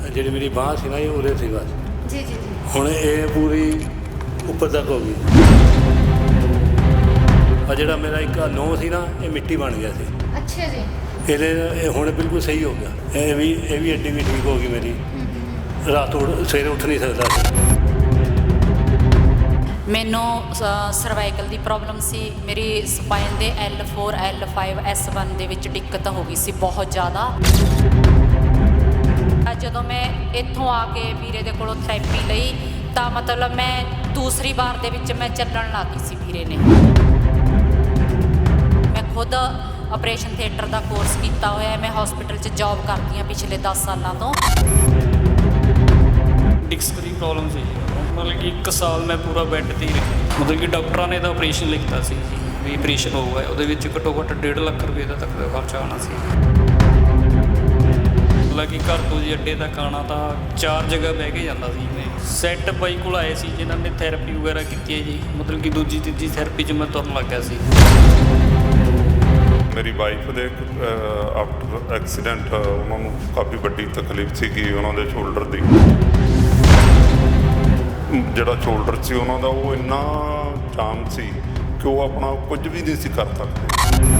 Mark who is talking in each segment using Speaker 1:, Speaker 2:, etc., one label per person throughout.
Speaker 1: ਜਿਹੜੀ ਮੇਰੀ ਬਾਂਹ ਸੀ ਨਾ ਇਹ ਉਰੇ ਸੀ ਬਸ
Speaker 2: ਜੀ ਜੀ ਜੀ
Speaker 1: ਹੁਣ ਇਹ ਪੂਰੀ ਉੱਪਰ ਤੱਕ ਹੋ ਗਈ। ਆ ਜਿਹੜਾ ਮੇਰਾ ਇੱਕ ਨੋਹ ਸੀ ਨਾ ਇਹ ਮਿੱਟੀ ਬਣ ਗਿਆ ਸੀ।
Speaker 2: ਅੱਛਾ ਜੀ।
Speaker 1: ਇਹ ਹੁਣ ਬਿਲਕੁਲ ਸਹੀ ਹੋ ਗਿਆ। ਇਹ ਵੀ ਅੱਡੀ ਵੀ ਠੀਕ ਹੋ ਗਈ ਮੇਰੀ। ਰਾਤ ਸਵੇਰੇ ਉੱਠ ਨਹੀਂ ਸਕਦਾ ਸੀ।
Speaker 3: ਮੈਨੂੰ ਸਰਵਾਈਕਲ ਦੀ ਪ੍ਰੋਬਲਮ ਸੀ। ਮੇਰੀ ਸਪਾਈਨ ਦੇ L4 L5 S1 ਦੇ ਵਿੱਚ ਦਿੱਕਤ ਹੋ ਗਈ ਸੀ ਬਹੁਤ ਜ਼ਿਆਦਾ। ਜਦੋਂ ਮੈਂ ਇੱਥੋਂ ਆ ਕੇ ਵੀਰੇ ਦੇ ਕੋਲੋਂ ਥੈਰੇਪੀ ਲਈ ਤਾਂ ਮਤਲਬ ਮੈਂ ਦੂਸਰੀ ਵਾਰ ਦੇ ਵਿੱਚ ਮੈਂ ਚੱਲਣ ਲੱਗ ਗਈ ਸੀ। ਵੀਰੇ ਨੇ ਮੈਂ ਖੁਦ ਆਪਰੇਸ਼ਨ ਥੀਏਟਰ ਦਾ ਕੋਰਸ ਕੀਤਾ ਹੋਇਆ। ਮੈਂ ਹਸਪੀਟਲ 'ਚ ਜੌਬ ਕਰਦੀ ਹਾਂ ਪਿਛਲੇ 10 ਸਾਲਾਂ ਤੋਂ।
Speaker 4: ਡਿਸਕ ਦੀ ਪ੍ਰੋਬਲਮ ਸੀ, ਮਤਲਬ ਕਿ 1 ਸਾਲ ਮੈਂ ਪੂਰਾ ਬੈੱਡ 'ਤੇ ਹੀ ਰਿਹਾ। ਮਤਲਬ ਕਿ ਡਾਕਟਰਾਂ ਨੇ ਤਾਂ ਆਪਰੇਸ਼ਨ ਲਿਖਤਾ ਸੀ ਵੀ ਆਪਰੇਸ਼ਨ ਹੋਊਗਾ, ਉਹਦੇ ਵਿੱਚ ਘੱਟੋ ਘੱਟ 1.5 ਲੱਖ ਰੁਪਏ ਦਾ ਤੱਕ ਦਾ ਖਰਚਾ ਆਉਣਾ ਸੀ। ਮਤਲਬ ਕਿ ਘਰ ਤੋਂ ਜੀ ਅੱਡੇ ਤੱਕ ਆਉਣਾ ਤਾਂ 4 ਜਗ੍ਹਾ ਬਹਿ ਕੇ ਜਾਂਦਾ ਸੀ। ਮੈਂ ਸੈੱਟ ਬਾਈ ਕੋਲ ਆਏ ਸੀ ਜਿਨ੍ਹਾਂ ਨੇ ਥੈਰੇਪੀ ਵਗੈਰਾ ਕੀਤੀ ਹੈ ਜੀ। ਮਤਲਬ ਕਿ ਦੂਜੀ ਤੀਜੀ ਥੈਰੇਪੀ 'ਚ ਮੈਂ ਤੁਰਨ ਲੱਗ ਗਿਆ ਸੀ।
Speaker 5: ਮੇਰੀ ਵਾਈਫ ਦੇ ਆਫਟਰ ਐਕਸੀਡੈਂਟ ਉਹਨਾਂ ਨੂੰ ਕਾਫੀ ਵੱਡੀ ਤਕਲੀਫ ਸੀਗੀ ਉਹਨਾਂ ਦੇ ਸ਼ੋਲਡਰ ਦੀ। ਜਿਹੜਾ ਸ਼ੋਲਡਰ ਸੀ ਉਹਨਾਂ ਦਾ ਉਹ ਇੰਨਾ ਜਾਮ ਸੀ ਕਿ ਉਹ ਆਪਣਾ ਕੁਝ ਵੀ ਨਹੀਂ ਸੀ ਕਰ ਸਕਦੇ।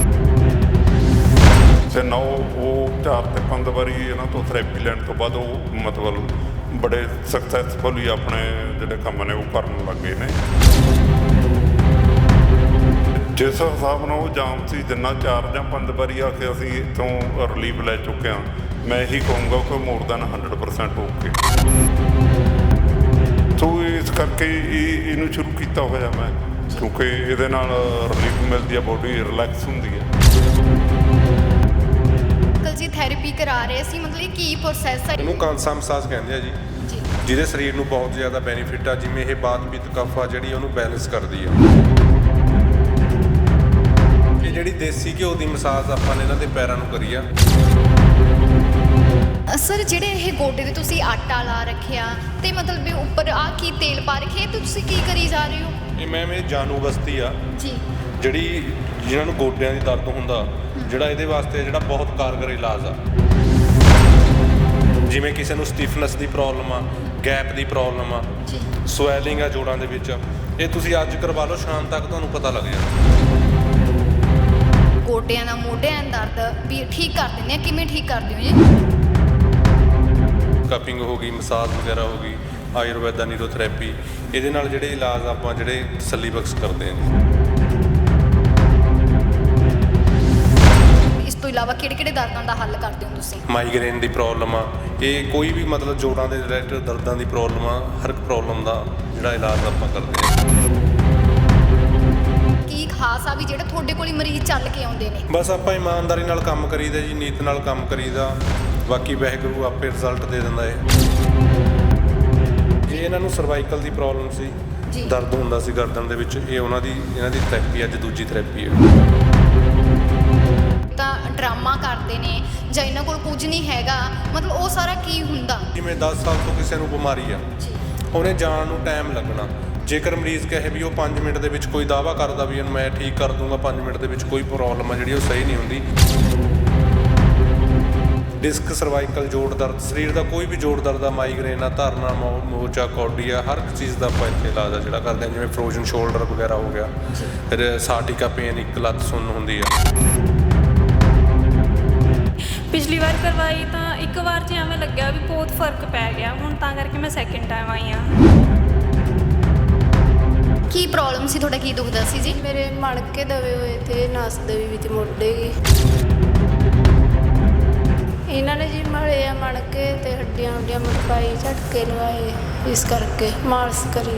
Speaker 5: ਤੇ ਨਾ ਉਹ 4 ਤੇ 5 ਵਾਰੀ ਇਹਨਾਂ ਤੋਂ ਥੈਰੇਪੀ ਲੈਣ ਤੋਂ ਬਾਅਦ ਉਹ ਮਤਲਬ ਬੜੇ ਸਕਸੈਸਫੁਲੀ ਆਪਣੇ ਜਿਹੜੇ ਕੰਮ ਨੇ ਉਹ ਕਰਨ ਲੱਗ ਗਏ ਨੇ। ਜਿਸ ਹਿਸਾਬ ਨਾਲ ਉਹ ਜਾਮ ਸੀ, ਜਿੰਨਾ 4 ਜਾਂ 5 ਵਾਰੀ ਆ ਕੇ ਅਸੀਂ ਇੱਥੋਂ ਰਿਲੀਫ ਲੈ ਚੁੱਕੇ ਹਾਂ, ਮੈਂ ਇਹੀ ਕਹੂੰਗਾ ਕਿ ਮੋਰ ਦੈਨ 100% ਓਕੇ। ਸੋ ਇਸ ਕਰਕੇ ਇਹਨੂੰ ਸ਼ੁਰੂ ਕੀਤਾ ਹੋਇਆ ਮੈਂ, ਕਿਉਂਕਿ ਇਹਦੇ ਨਾਲ ਰਿਲੀਫ ਮਿਲਦੀ ਹੈ, ਬੋਡੀ ਰਿਲੈਕਸ ਹੁੰਦੀ ਹੈ।
Speaker 2: ਅੰਕਲ ਜੀ ਥੈਰੇਪੀ ਕਰਾ ਰਹੇ ਸੀ, ਮਤਲਬ ਕੀ ਪ੍ਰੋਸੈਸ ਹੈ?
Speaker 6: ਇਹਨੂੰ ਕਾਂਸਾ ਮਸਾਜ ਕਹਿੰਦੇ ਆ ਜੀ, ਜਿਹਦੇ ਸਰੀਰ ਨੂੰ ਬਹੁਤ ਜ਼ਿਆਦਾ ਬੈਨੀਫਿਟ ਆ। ਜਿਵੇਂ ਇਹ ਬਾਤ ਪਿੱਤ ਕਫ ਆ ਜਿਹੜੀ ਉਹਨੂੰ ਬੈਲੈਂਸ ਕਰਦੀ ਆ। ਇਹ ਜਿਹੜੀ ਦੇਸੀ ਘਿਓ ਦੀ ਮਸਾਜ ਆਪਾਂ ਨੇ ਇਹਨਾਂ ਦੇ ਪੈਰਾਂ ਨੂੰ ਕਰੀ ਆ।
Speaker 2: ਸਰ ਜਿਹੜੇ ਇਹ ਗੋਡੇ ਦੇ ਤੁਸੀਂ ਆਟਾ ਲਾ ਰੱਖਿਆ ਤੇ ਮਤਲਬ ਵੀ ਉੱਪਰ ਆ ਕੀ ਤੇਲ ਪਾ ਰੱਖਿਆ, ਤੇ ਤੁਸੀਂ ਕੀ ਕਰੀ ਜਾ ਰਹੇ ਹੋ?
Speaker 6: ਇਹ ਮੈਮ ਇਹ ਜਾਨੂ ਬਸਤੀ ਆ
Speaker 2: ਜੀ,
Speaker 6: ਜਿਹੜੀ ਜਿਨ੍ਹਾਂ ਨੂੰ ਗੋਡਿਆਂ ਦੀ ਦਰਦ ਹੁੰਦਾ, ਜਿਹੜਾ ਇਹਦੇ ਵਾਸਤੇ ਜਿਹੜਾ ਬਹੁਤ ਕਾਰਗਰ ਇਲਾਜ ਆ। ਜਿਵੇਂ ਕਿਸੇ ਨੂੰ ਸਟਿਫਨੈਸ ਦੀ ਪ੍ਰੋਬਲਮ ਆ, ਗੈਪ ਦੀ ਪ੍ਰੋਬਲਮ ਆ,
Speaker 2: ਜੀ
Speaker 6: ਸਵੈਲਿੰਗ ਆ ਜੋੜਾਂ ਦੇ ਵਿੱਚ, ਇਹ ਤੁਸੀਂ ਅੱਜ ਕਰਵਾ ਲਓ, ਸ਼ਾਮ ਤੱਕ ਤੁਹਾਨੂੰ ਪਤਾ ਲੱਗ ਜਾਣਾ।
Speaker 2: ਗੋਡਿਆਂ ਦਾ ਮੋਢਿਆਂ ਦਾ ਦਰਦ ਵੀ ਠੀਕ ਕਰ ਦਿੰਦੇ ਆ, ਕਿਵੇਂ ਠੀਕ ਕਰਦੇ ਹੋ ਜੀ?
Speaker 6: ਕਪਿੰਗ ਹੋ ਗਈ, ਮਸਾਜ ਵਗੈਰਾ ਹੋ ਗਈ, ਆਯੁਰਵੈਦਾ ਨੀਰੋਥੈਰੇਪੀ, ਇਹਦੇ ਨਾਲ ਜਿਹੜੇ ਇਲਾਜ ਆਪਾਂ ਜਿਹੜੇ ਤਸੱਲੀ ਬਖਸ਼ ਕਰਦੇ ਹਾਂ।
Speaker 2: ਇਸ ਤੋਂ ਇਲਾਵਾ ਕਿਹੜੇ ਦਰਦਾਂ ਦਾ ਹੱਲ ਕਰਦੇ ਹੋ ਤੁਸੀਂ?
Speaker 6: ਮਾਈਗ੍ਰੇਨ ਦੀ ਪ੍ਰੋਬਲਮ ਆ, ਇਹ ਕੋਈ ਵੀ ਮਤਲਬ ਜੋੜਾਂ ਦੇ ਰਿਲੇਟਡ ਦਰਦਾਂ ਦੀ ਪ੍ਰੋਬਲਮ ਆ, ਹਰ ਇੱਕ ਪ੍ਰੋਬਲਮ ਦਾ ਜਿਹੜਾ ਇਲਾਜ ਆਪਾਂ ਕਰਦੇ ਹਾਂ।
Speaker 2: ਕੀ ਖਾਸ ਆ ਵੀ ਜਿਹੜੇ ਤੁਹਾਡੇ ਕੋਲ ਹੀ ਮਰੀਜ਼ ਚੱਲ ਕੇ ਆਉਂਦੇ ਨੇ?
Speaker 6: ਬਸ ਆਪਾਂ ਇਮਾਨਦਾਰੀ ਨਾਲ ਕੰਮ ਕਰੀਦਾ ਜੀ, ਨੀਤ ਨਾਲ ਕੰਮ ਕਰੀਦਾ, ਬਾਕੀ ਵਾਹਿਗੁਰੂ ਆਪੇ ਰਿਜ਼ਲਟ ਦੇ ਦਿੰਦਾ ਹੈ। ਜੇ ਇਹਨਾਂ ਨੂੰ ਸਰਵਾਈਕਲ ਦੀ ਪ੍ਰੋਬਲਮ ਸੀ, ਦਰਦ ਹੁੰਦਾ ਸੀ ਗਰਦਨ ਦੇ ਵਿੱਚ, ਇਹਨਾਂ ਦੀ ਥੈਰੇਪੀ ਅੱਜ ਦੂਜੀ ਥੈਰੇਪੀ ਹੈ।
Speaker 2: ਤਾਂ ਡਰਾਮਾ ਕਰਦੇ ਨੇ ਜਾਂ ਇਹਨਾਂ ਕੋਲ ਕੁਝ ਨਹੀਂ ਹੈਗਾ, ਮਤਲਬ ਉਹ ਸਾਰਾ ਕੀ ਹੁੰਦਾ?
Speaker 6: ਜਿਵੇਂ 10 ਸਾਲ ਤੋਂ ਕਿਸੇ ਨੂੰ ਬਿਮਾਰੀ ਆ, ਉਹਨੇ ਜਾਣ ਨੂੰ ਟਾਈਮ ਲੱਗਣਾ। ਜੇਕਰ ਮਰੀਜ਼ ਕਹੇ ਵੀ ਉਹ 5 ਮਿੰਟ ਦੇ ਵਿੱਚ ਕੋਈ ਦਾਅਵਾ ਕਰਦਾ ਵੀ ਇਹਨੂੰ ਮੈਂ ਠੀਕ ਕਰ ਦੂੰਗਾ, 5 ਮਿੰਟ ਦੇ ਵਿੱਚ ਕੋਈ ਪ੍ਰੋਬਲਮ ਆ ਜਿਹੜੀ ਉਹ ਸਹੀ ਨਹੀਂ ਹੁੰਦੀ। ਡਿਸਕ, ਸਰਵਾਈਕਲ, ਜੋੜ ਦਰਦ, ਸਰੀਰ ਦਾ ਕੋਈ ਵੀ ਜੋੜ ਦਰਦ ਆ, ਮਾਈਗ੍ਰੇਨ ਆ, ਧਰਨਾ, ਮੋਚਾ, ਕੌਡੀ ਆ, ਹਰ ਇੱਕ ਚੀਜ਼ ਦਾ ਆਪਾਂ ਇੱਥੇ ਇਲਾਜ ਆ ਜਿਹੜਾ ਕਰਦੇ ਹਾਂ। ਜਿਵੇਂ ਫਰੋਜ਼ਨ ਸ਼ੋਲਡਰ ਵਗੈਰਾ ਹੋ ਗਿਆ, ਫਿਰ ਸਾਟਿਕਾ ਪੇਨ, ਇੱਕ ਲੱਤ ਸੁੰਨ ਹੁੰਦੀ ਆ।
Speaker 7: ਪਿਛਲੀ ਵਾਰ ਕਰਵਾਈ ਤਾਂ ਇੱਕ ਵਾਰ 'ਚ ਐਵੇਂ ਲੱਗਿਆ ਵੀ ਬਹੁਤ ਫਰਕ ਪੈ ਗਿਆ, ਹੁਣ ਤਾਂ ਕਰਕੇ ਮੈਂ ਸੈਕਿੰਡ ਟਾਈਮ ਆਈ ਹਾਂ।
Speaker 2: ਕੀ ਪ੍ਰੋਬਲਮ ਸੀ ਤੁਹਾਡਾ, ਕੀ ਦੁਖਦਾ ਸੀ ਜੀ?
Speaker 8: ਮੇਰੇ ਮਣਕੇ ਦਵੇ ਹੋਏ ਤੇ ਨਸ ਦਵੇ ਵਿੱਚ ਮੋਢੇ ਗਏ। ਇਹਨਾਂ ਨੇ ਜੀ ਮਲੇ ਆ ਮਣਕੇ ਤੇ ਹੱਡੀਆਂ ਮਟਕਾਈ, ਝਟਕੇ ਲਵਾਏ, ਇਸ ਕਰਕੇ ਮਾਲਸ਼ ਕਰੀ।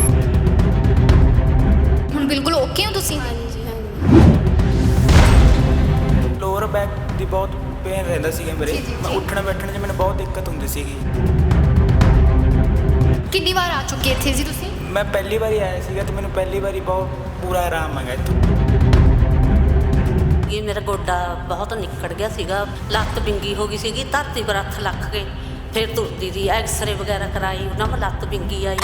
Speaker 2: ਹੁਣ ਬਿਲਕੁਲ ਓਕੇ ਹੋ ਤੁਸੀਂ?
Speaker 8: ਹਾਂਜੀ ਹਾਂਜੀ।
Speaker 9: ਲੋਅਰ ਬੈਕ ਦੀ ਬਹੁਤ ਪੇਨ ਰਹਿੰਦਾ ਸੀਗਾ ਮੇਰੇ। ਮੈਂ ਉੱਠਣ ਬੈਠਣ 'ਚ ਮੈਨੂੰ ਬਹੁਤ ਦਿੱਕਤ ਹੁੰਦੀ ਸੀਗੀ।
Speaker 2: ਕਿੰਨੀ ਵਾਰ ਆ ਚੁੱਕੇ ਇੱਥੇ ਜੀ ਤੁਸੀਂ?
Speaker 9: ਮੈਂ ਪਹਿਲੀ ਵਾਰੀ ਆਇਆ ਸੀਗਾ ਤੇ ਮੈਨੂੰ ਪਹਿਲੀ ਵਾਰੀ ਬਹੁਤ ਪੂਰਾ ਆਰਾਮ ਆ ਗਿਆ ਇੱਥੋਂ।
Speaker 3: ਇਹ ਮੇਰਾ ਗੋਡਾ ਬਹੁਤ ਨਿੱਕੜ ਗਿਆ ਸੀਗਾ, ਲੱਤ ਵਿੰਗੀ ਹੋ ਗਈ ਸੀਗੀ, ਧਰਤੀ ਪਰ ਹੱਥ ਲੱਗ ਕੇ ਫਿਰ ਤੁਰਦੀ ਦੀ। ਐਕਸਰੇ ਵਗੈਰਾ ਕਰਾਈ, ਉਹਨਾਂ ਮੈਂ ਲੱਤ ਵਿੰਗੀ ਆਈ।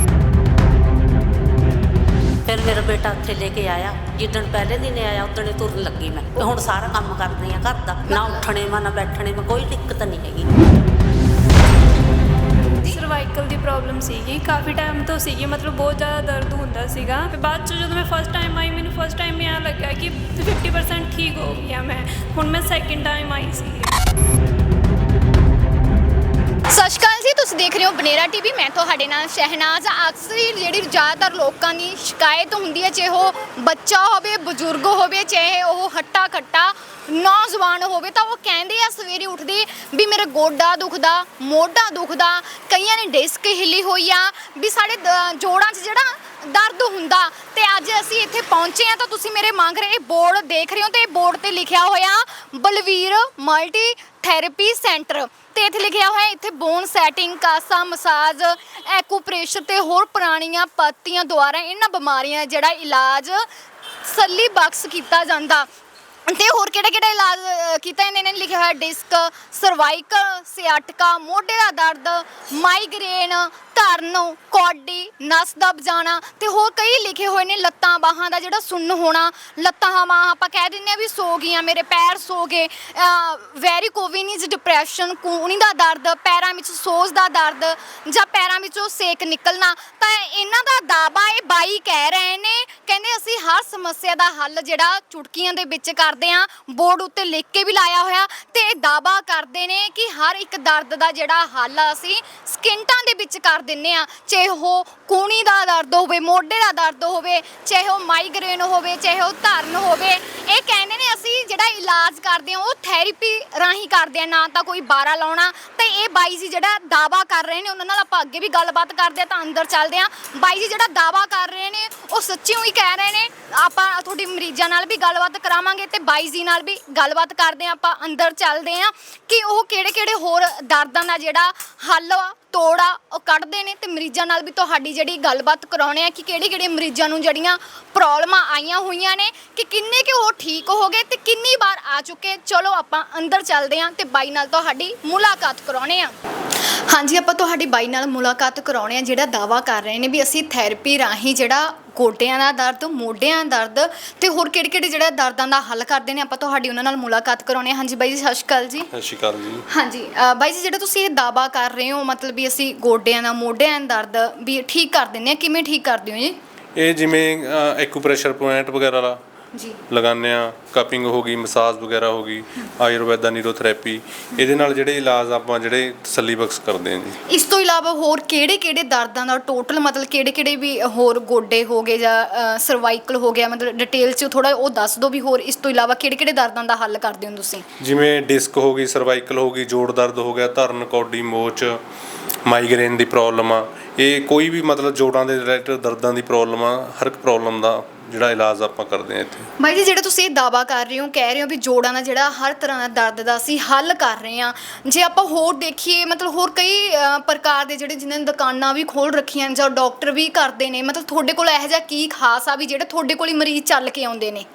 Speaker 3: ਫਿਰ ਮੇਰਾ ਬੇਟਾ ਉੱਥੇ ਲੈ ਕੇ ਆਇਆ, ਜਿੱਦਣ ਪਹਿਲੇ ਦਿਨ ਆਇਆ ਉਦਣ ਤੁਰਨ ਲੱਗੀ ਮੈਂ। ਹੁਣ ਸਾਰਾ ਕੰਮ ਕਰਦੀ ਹਾਂ ਘਰ ਦਾ, ਨਾ ਉੱਠਣੇ ਮਾ ਨਾ ਬੈਠਣੇ ਮਾ, ਕੋਈ ਦਿੱਕਤ ਨਹੀਂ ਹੈਗੀ।
Speaker 7: ਪ੍ਰੋਬਲਮ ਸੀਗੀ, ਕਾਫੀ ਟਾਈਮ ਤੋਂ ਸੀਗੀ, ਮਤਲਬ ਬਹੁਤ ਜ਼ਿਆਦਾ ਦਰਦ ਹੁੰਦਾ ਸੀਗਾ। ਤੇ ਬਾਅਦ 'ਚ ਜਦੋਂ ਮੈਂ ਫਸਟ ਟਾਈਮ ਆਈ, ਮੈਨੂੰ ਫਸਟ ਟਾਈਮ ਇਹ ਲੱਗਿਆ ਕਿ 50% ਠੀਕ ਹੋ ਗਈ ਆ ਮੈਂ। ਹੁਣ ਮੈਂ ਸੈਕਿੰਡ ਟਾਈਮ ਆਈ ਸੀ।
Speaker 2: ਸਤਿ ਸ਼੍ਰੀ ਅਕਾਲ ਜੀ, ਤੁਸੀਂ ਦੇਖ ਰਹੇ ਹੋ ਬਨੇਰਾ ਟੀਵੀ। ਮੈਂ ਤੁਹਾਡੇ ਨਾਲ ਸ਼ਹਿਨਾਜ਼। ਅਕਸਰ ਹੀ ਜਿਹੜੀ ਜ਼ਿਆਦਾਤਰ ਲੋਕਾਂ ਦੀ ਸ਼ਿਕਾਇਤ ਹੁੰਦੀ ਹੈ, ਚਾਹੇ ਉਹ ਬੱਚਾ ਹੋਵੇ, ਬਜ਼ੁਰਗ ਹੋਵੇ, ਚਾਹੇ ਉਹ ਹੱਟਾ ਕੱਟਾ ਨੌਜਵਾਨ ਹੋਵੇ, ਤਾਂ ਉਹ ਕਹਿੰਦੇ ਆ ਸਵੇਰੇ ਉੱਠਦੇ ਵੀ ਮੇਰਾ ਗੋਡਾ ਦੁਖਦਾ, ਮੋਢਾ ਦੁਖਦਾ, ਕਈਆਂ ਨੇ ਡਿਸਕ ਹਿੱਲੀ ਹੋਈ ਆ, ਵੀ ਸਾਡੇ ਜੋੜਾਂ 'ਚ ਜਿਹੜਾ ਦਰਦ ਹੁੰਦਾ। ਤੇ ਅੱਜ ਅਸੀਂ ਇੱਥੇ ਪਹੁੰਚੇ ਆ ਤਾਂ ਤੁਸੀਂ ਮੇਰੇ ਮੰਗ ਰਹੇ ਬੋਰਡ ਦੇਖ ਰਹੇ ਹੋ, ਤੇ ਬੋਰਡ ਤੇ ਲਿਖਿਆ ਹੋਇਆ ਬਲਵੀਰ ਮਲਟੀ ਥੈਰੇਪੀ ਸੈਂਟਰ। ਤੇ ਇੱਥੇ ਲਿਖਿਆ ਹੋਇਆ ਇੱਥੇ ਬੋਨ ਸੈਟਿੰਗ, ਕਾਸਾ ਮਸਾਜ, ਐਕੂਪ੍ਰੈਸ਼ਰ ਤੇ ਹੋਰ ਪੁਰਾਣੀਆਂ ਪੱਤੀਆਂ ਦੁਆਰਾ ਇਹਨਾਂ ਬਿਮਾਰੀਆਂ ਜਿਹੜਾ ਇਲਾਜ ਸੱਲੀ ਬਖਸ਼ ਕੀਤਾ ਜਾਂਦਾ। ਤੇ ਹੋਰ ਕਿਹੜਾ ਇਲਾਜ ਕੀਤਾ ਇਹਨਾਂ ਨੇ ਲਿਖਿਆ ਹੋਇਆ ਡਿਸਕ, ਸਰਵਾਈਕਲ, ਸਿਆਟਕਾ, ਮੋਢੇ ਦਾ ਦਰਦ, ਮਾਈਗ੍ਰੇਨ, ਧਰਨ, ਕੌਡੀ, ਨਸ ਦਬ ਜਾਣਾ ਤੇ ਹੋਰ ਕਈ ਲਿਖੇ ਹੋਏ ਨੇ। ਲੱਤਾਂ ਬਾਹਾਂ ਦਾ ਜਿਹੜਾ ਸੁੰਨ ਹੋਣਾ, ਲੱਤਾਂ ਬਾਹਾਂ ਆਪਾਂ ਕਹਿ ਦਿੰਦੇ ਆ ਵੀ ਸੋ ਗਈਆਂ, ਮੇਰੇ ਪੈਰ ਸੋ ਗਏ, ਵੈਰੀਕੋਵਿਨਸ, ਡਿਪਰੈਸ਼ਨ, ਕੂਹਣੀ ਦਾ ਦਰਦ, ਪੈਰਾਂ ਵਿੱਚ ਸੋਜ ਦਾ ਦਰਦ ਜਾਂ ਪੈਰਾਂ ਵਿੱਚੋਂ ਸੇਕ ਨਿਕਲਣਾ। ਤਾਂ ਇਹਨਾਂ ਦਾ ਦਾਅਵਾ ਇਹ ਬਾਈ ਕਹਿ ਰਹੇ ਨੇ, ਕਹਿੰਦੇ ਅਸੀਂ ਹਰ ਸਮੱਸਿਆ ਦਾ ਹੱਲ ਜਿਹੜਾ ਚੁਟਕੀਆਂ ਦੇ ਵਿੱਚ ਕਰਦੇ ਆ, ਬੋਰਡ ਉੱਤੇ ਲਿਖ ਕੇ ਵੀ ਲਾਇਆ ਹੋਇਆ। ਤੇ ਇਹ ਦਾਅਵਾ ਕਰਦੇ ਨੇ ਕਿ ਹਰ ਇੱਕ ਦਰਦ ਦਾ ਜਿਹੜਾ ਹੱਲ ਅਸੀਂ ਸਕਿੰਟਾਂ ਦੇ ਵਿੱਚ ਕਰ ਦਿੰਨੇ ਆ, ਚਾਹੇ ਉਹ ਕੂਹਣੀ ਦਾ ਦਰਦ ਹੋਵੇ, ਮੋਢੇ ਦਾ ਦਰਦ ਹੋਵੇ, ਚਾਹੇ ਉਹ ਮਾਈਗ੍ਰੇਨ ਹੋਵੇ, ਚਾਹੇ ਉਹ ਧਰਨ ਹੋਵੇ। ਇਹ ਕਹਿੰਦੇ ਨੇ ਅਸੀਂ ਜਿਹੜਾ ਇਲਾਜ ਕਰਦੇ ਆ ਉਹ ਥੈਰੇਪੀ ਰਾਹੀਂ ਕਰਦੇ ਆ, ਨਾ ਤਾਂ ਕੋਈ ਬਾਰਾ ਲਾਉਣਾ। ਤੇ ਇਹ ਬਾਈ ਜੀ ਜਿਹੜਾ ਦਾਅਵਾ ਕਰ ਰਹੇ ਨੇ, ਉਹਨਾਂ ਨਾਲ ਆਪਾਂ ਅੱਗੇ ਵੀ ਗੱਲਬਾਤ ਕਰਦੇ ਆ। ਤਾਂ ਅੰਦਰ ਚੱਲਦੇ ਆ। ਬਾਈ ਜੀ ਜਿਹੜਾ ਦਾਅਵਾ ਕਰ ਰਹੇ ਨੇ ਉਹ ਸੱਚੀਓ ਹੀ ਕਹਿ ਰਹੇ ਨੇ। ਆਪਾਂ ਤੁਹਾਡੀ ਮਰੀਜ਼ਾਂ ਨਾਲ ਵੀ ਗੱਲਬਾਤ ਕਰਾਵਾਂਗੇ ਤੇ ਬਾਈ ਜੀ ਨਾਲ ਵੀ ਗੱਲਬਾਤ ਕਰਦੇ ਆ। ਆਪਾਂ ਅੰਦਰ ਚੱਲਦੇ ਆ ਕਿ ਉਹ ਕਿਹੜੇ ਹੋਰ ਦਰਦਾਂ ਦਾ ਜਿਹੜਾ ਹੱਲ ਤੋੜਾ ਉਹ ਕੱਢਦੇ ਨੇ, ਤੇ ਮਰੀਜ਼ਾਂ ਨਾਲ ਵੀ ਤੁਹਾਡੀ ਜਿਹੜੀ ਗੱਲਬਾਤ ਕਰਾਉਣੇ ਆ ਕਿ ਕਿਹੜੇ ਮਰੀਜ਼ਾਂ ਨੂੰ ਜਿਹੜੀਆਂ ਪ੍ਰੋਬਲਮਾਂ ਆਈਆਂ ਹੋਈਆਂ ਨੇ, ਕਿ ਕਿੰਨੇ ਕਿ ਉਹ ਠੀਕ ਹੋ ਗਏ ਤੇ ਕਿੰਨੀ ਵਾਰ ਆ ਚੁੱਕੇ। ਚਲੋ ਆਪਾਂ ਅੰਦਰ ਚੱਲਦੇ ਆ ਤੇ ਬਾਈ ਨਾਲ ਤੁਹਾਡੀ ਮੁਲਾਕਾਤ ਕਰਾਉਣੇ ਆ। ਹਾਂਜੀ, ਆਪਾਂ ਤੁਹਾਡੀ ਬਾਈ ਨਾਲ ਮੁਲਾਕਾਤ ਕਰਾਉਣੇ ਆ, ਜਿਹੜਾ ਦਾਅਵਾ ਕਰ ਰਹੇ ਨੇ ਵੀ ਅਸੀਂ ਥੈਰੇਪੀ ਰਾਹੀਂ ਜਿਹੜਾ ਗੋਡਿਆਂ ਦਾ ਦਰਦ, ਮੋਢਿਆਂ ਦਾ ਦਰਦ ਤੇ ਹੋਰ ਕਿਹੜੇ ਜਿਹੜਾ ਦਰਦਾਂ ਦਾ ਹੱਲ ਕਰਦੇ ਨੇ, ਆਪਾਂ ਤੁਹਾਡੀ ਉਹਨਾਂ ਨਾਲ ਮੁਲਾਕਾਤ ਕਰਾਉਣੇ ਆ। ਹਾਂਜੀ ਬਾਈ ਜੀ, ਸਤਿ ਸ਼੍ਰੀ ਅਕਾਲ ਜੀ।
Speaker 6: ਸਤਿ ਸ਼੍ਰੀ ਅਕਾਲ ਜੀ।
Speaker 2: ਹਾਂਜੀ ਬਾਈ ਜੀ, ਜਿਹੜਾ ਤੁਸੀਂ ਇਹ ਦਾਅਵਾ ਕਰ ਰਹੇ ਹੋ, ਮਤਲਬ ਵੀ ਅਸੀਂ ਗੋਡਿਆਂ ਦਾ, ਮੋਢਿਆਂ ਦਾ ਦਰਦ ਵੀ ਠੀਕ ਕਰ ਦਿੰਦੇ ਆ, ਕਿਵੇਂ ਠੀਕ ਕਰਦੇ ਹੋ ਜੀ?
Speaker 6: ਇਹ ਜਿਵੇਂ ਐਕੂਪ੍ਰੈਸ਼ਰ ਪੁਆਇੰਟ ਵਗੈਰਾ
Speaker 2: ਜੀ
Speaker 6: ਲਗਾਉਂਦੇ ਆ, ਕਪਿੰਗ ਹੋ ਗਈ, ਮਸਾਜ ਵਗੈਰਾ ਹੋ ਗਈ, ਆਯੁਰਵੈਦਾ, ਨੀਰੋਥੈਰੇਪੀ, ਇਹਦੇ ਨਾਲ ਜਿਹੜੇ ਇਲਾਜ ਆਪਾਂ ਜਿਹੜੇ ਤਸੱਲੀ ਬਖਸ਼ ਕਰਦੇ ਹਾਂ ਜੀ।
Speaker 2: ਇਸ ਤੋਂ ਇਲਾਵਾ ਹੋਰ ਕਿਹੜੇ ਦਰਦਾਂ ਦਾ ਟੋਟਲ, ਮਤਲਬ ਕਿਹੜੇ ਵੀ ਹੋਰ ਗੋਡੇ ਹੋ ਗਏ ਜਾਂ ਸਰਵਾਈਕਲ ਹੋ ਗਿਆ, ਮਤਲਬ ਡਿਟੇਲ 'ਚ ਥੋੜਾ ਉਹ ਦੱਸ ਦਿਓ ਵੀ ਹੋਰ ਇਸ ਤੋਂ ਇਲਾਵਾ ਕਿਹੜੇ ਦਰਦਾਂ ਦਾ ਹੱਲ ਕਰਦੇ ਹੋ ਤੁਸੀਂ?
Speaker 6: ਜਿਵੇਂ ਡਿਸਕ ਹੋ ਗਈ, ਸਰਵਾਈਕਲ ਹੋ ਗਈ, ਜੋੜ ਦਰਦ ਹੋ ਗਿਆ, ਧਰਨ, ਕੌਡੀ, ਮੋਚ, ਮਾਈਗ੍ਰੇਨ ਦੀ ਪ੍ਰੋਬਲਮ ਆ, ਇਹ ਕੋਈ ਵੀ ਮਤਲਬ ਜੋੜਾਂ ਦੇ ਰਿਲੇਟਡ ਦਰਦਾਂ ਦੀ ਪ੍ਰੋਬਲਮ ਆ, ਹਰ ਇੱਕ ਪ੍ਰੋਬਲਮ ਦਾ ਜਿਹੜਾ ਇਲਾਜ ਆਪਾਂ ਕਰਦੇ ਹਾਂ ਇੱਥੇ।
Speaker 2: ਬਾਈ ਜੀ, ਜਿਹੜਾ ਤੁਸੀਂ ਇਹ ਦਾਅਵਾ ਕਰ ਰਹੇ ਹੋ, ਕਹਿ ਰਹੇ ਹੋ ਵੀ ਜੋੜਾਂ ਦਾ ਜਿਹੜਾ ਹਰ ਤਰ੍ਹਾਂ ਦਾ ਦਰਦ ਦਾ ਅਸੀਂ ਹੱਲ ਕਰ ਰਹੇ ਹਾਂ, ਜੇ ਆਪਾਂ ਹੋਰ ਦੇਖੀਏ ਮਤਲਬ ਹੋਰ ਕਈ ਪ੍ਰਕਾਰ ਦੇ ਜਿਹੜੇ ਜਿਨ੍ਹਾਂ ਨੇ ਦੁਕਾਨਾਂ ਵੀ ਖੋਲ੍ਹ ਰੱਖੀਆਂ ਜਾਂ ਡਾਕਟਰ ਵੀ ਕਰਦੇ ਨੇ, ਮਤਲਬ ਤੁਹਾਡੇ ਕੋਲ ਇਹੋ ਜਿਹਾ ਕੀ ਖਾਸ ਆ ਵੀ ਜਿਹੜੇ ਤੁਹਾਡੇ ਕੋਲ ਹੀ ਮਰੀਜ਼ ਚੱਲ ਕੇ ਆਉਂਦੇ ਨੇ?